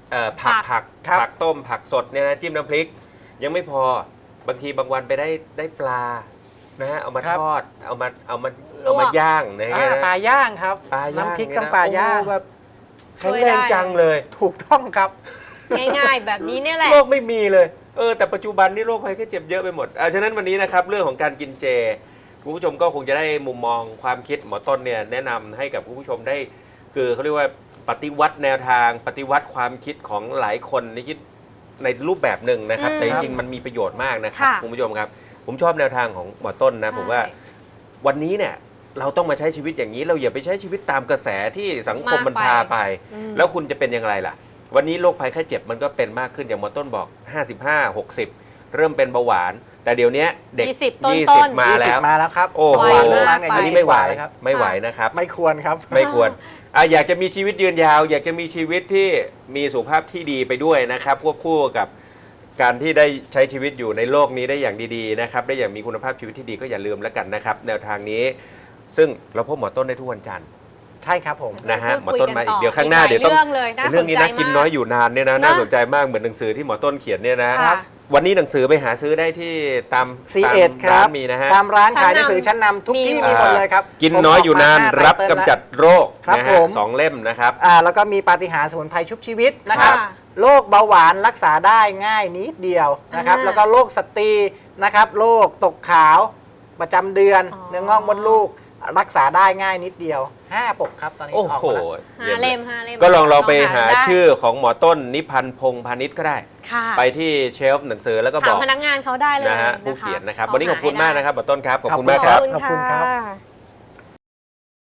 [SPEAKER 2] ผัก
[SPEAKER 4] ครับ
[SPEAKER 2] ผักต้มผักสดเนี่ยนะจิ้มน้ำพริก ยังไม่พอบางทีบางวันไปได้ปลานะฮะเอามา
[SPEAKER 4] ครับ
[SPEAKER 2] ทอดเอามา
[SPEAKER 3] ลวก
[SPEAKER 2] ย่างนะฮะ
[SPEAKER 4] ปลาย่างครับ
[SPEAKER 2] ปลาย่าง
[SPEAKER 4] น้ำพริก
[SPEAKER 2] เนี่ย
[SPEAKER 4] ต้องปลาย่าง
[SPEAKER 2] โอ้แบบแข็งแรงจังเลย
[SPEAKER 4] ถูกต้องครับ
[SPEAKER 3] ง่ายๆ แบบนี้เนี่ยแหละ
[SPEAKER 2] โรคไม่มีเลยแต่ปัจจุบันนี่โรคภัยแค่เจ็บเยอะไปหมดฉะนั้นวันนี้นะครับเรื่องของการกินเจคุณผู้ชมก็คงจะได้มุมมองความคิดหมอต้นเนี่ยแนะนำให้กับคุณผู้ชมได้คือเขาเรียกว่าปฏิวัติแนวทางปฏิวัติความคิดของหลายคนที่คิดในรูปแบบหนึ่งนะครับ แต่จริงๆมันมีประโยชน์มากนะครับ
[SPEAKER 3] ค่ะ
[SPEAKER 2] คุณผู้ชมครับผมชอบแนวทางของหมอต้นนะผมว่าวันนี้เนี่ยเราต้องมาใช้ชีวิตอย่างนี้เราอย่าไปใช้ชีวิตตามกระแสที่สังคมมันพาไป แล้วคุณจะเป็นอย่างไรล่ะวันนี้โรคภัยไข้เจ็บมันก็เป็นมากขึ้นอย่างหมอต้นบอก55 60เริ่มเป็นเบาหวานแต่เดี๋ยวนี้เด็ก
[SPEAKER 3] 20ต้นๆ
[SPEAKER 2] มาแล้ว
[SPEAKER 4] มาแล้วครับ
[SPEAKER 2] โอ้โห
[SPEAKER 3] ไวมาก
[SPEAKER 2] อันนี้ไม่ไหว
[SPEAKER 4] ครับ
[SPEAKER 2] ไม่ไหวนะครับ
[SPEAKER 4] ไม่ควรครับ
[SPEAKER 2] ไม่ควรอยากจะมีชีวิตยืนยาว อยากจะมีชีวิตที่มีสุขภาพที่ดีไปด้วยนะครับควบคู่กับการที่ได้ใช้ชีวิตอยู่ในโลกนี้ได้อย่างดีๆนะครับได้อย่างมีคุณภาพชีวิตที่ดีก็อย่าลืมแล้วกันนะครับแนวทางนี้ซึ่งเราพบหมอต้นได้ทุกวันจันทร์
[SPEAKER 4] ใช่ครับผม
[SPEAKER 2] นะฮะหมอ
[SPEAKER 3] พูดคุย
[SPEAKER 2] ต้นมา
[SPEAKER 3] กันต่
[SPEAKER 2] อี
[SPEAKER 3] อก
[SPEAKER 2] เดี๋ยวข้างหน้า
[SPEAKER 3] อีกหลาย
[SPEAKER 2] เดี๋ยวต้อง
[SPEAKER 3] เรื่องเลยน่า
[SPEAKER 2] เรื่องนี้
[SPEAKER 3] สนใจ
[SPEAKER 2] นะกิน
[SPEAKER 3] มาก
[SPEAKER 2] น้อยอยู่นานเนี่ยนะ
[SPEAKER 3] นะ
[SPEAKER 2] น่าสนใจมากเหมือนหนังสือที่หมอต้นเขียนเนี่ยนะ
[SPEAKER 3] ค่ะ
[SPEAKER 2] วันนี้หนังสือไปหาซื้อได้ที่ตาม
[SPEAKER 4] C1 ค
[SPEAKER 2] ร้า
[SPEAKER 4] รับ
[SPEAKER 2] นมีนะฮะ
[SPEAKER 4] ตามร้านขายห
[SPEAKER 3] ชั้
[SPEAKER 4] นั
[SPEAKER 3] นนำ
[SPEAKER 4] งสือชั้นนำทุกที่
[SPEAKER 3] มี
[SPEAKER 4] มีหมดเลยครับ
[SPEAKER 2] กินน้อยอยู่นาน
[SPEAKER 4] ผมออกมา
[SPEAKER 2] รับ
[SPEAKER 4] 5
[SPEAKER 2] กำจัดโรค
[SPEAKER 4] ครับ
[SPEAKER 2] นะ
[SPEAKER 4] ผ
[SPEAKER 2] ฮะ
[SPEAKER 4] ม
[SPEAKER 2] 2 เล่มนะครับ
[SPEAKER 4] แล้วก็มีปาฏิหาริย์สมุนไพรชุบชีวิตนะครับ
[SPEAKER 3] ค่ะ
[SPEAKER 4] โรคเบาหวานรักษาได้ง่ายนิดเดียวนะครับ
[SPEAKER 3] อ่า
[SPEAKER 4] แล้วก็โรคสตรีนะครับโรคตกขาวประจำเดือน
[SPEAKER 3] อ๋อ
[SPEAKER 4] เนื้องอกมดลูก รักษาได้ง่ายนิดเดียว 5 ปกครับตอนนี้
[SPEAKER 2] โอ้
[SPEAKER 4] ออก
[SPEAKER 2] โห
[SPEAKER 4] มาแล้ว
[SPEAKER 3] 5 เล่ม5 เล่ม
[SPEAKER 2] ก็ลองไปหา
[SPEAKER 3] ได้
[SPEAKER 2] ชื่อของหมอต้นนิพันธ์พงษ์พาณิชย์ก็ได้
[SPEAKER 3] ค่ะ
[SPEAKER 2] ไปที่เชลฟ์หนังสือแล้วก็บ
[SPEAKER 3] ถาม
[SPEAKER 2] อก
[SPEAKER 3] พนักงานเขาได้เลย
[SPEAKER 2] นะฮะ
[SPEAKER 3] ค
[SPEAKER 2] ผู้เขียนนะครับ
[SPEAKER 3] ลง
[SPEAKER 2] วันนี้ขอบคุณ
[SPEAKER 3] หให้
[SPEAKER 2] มาก
[SPEAKER 3] ได้
[SPEAKER 2] นะครับหมอต้นครับขอบคุณ
[SPEAKER 4] ขอบคุณ
[SPEAKER 2] มากครับ
[SPEAKER 4] ขอบคุณครับ
[SPEAKER 3] ค่ะ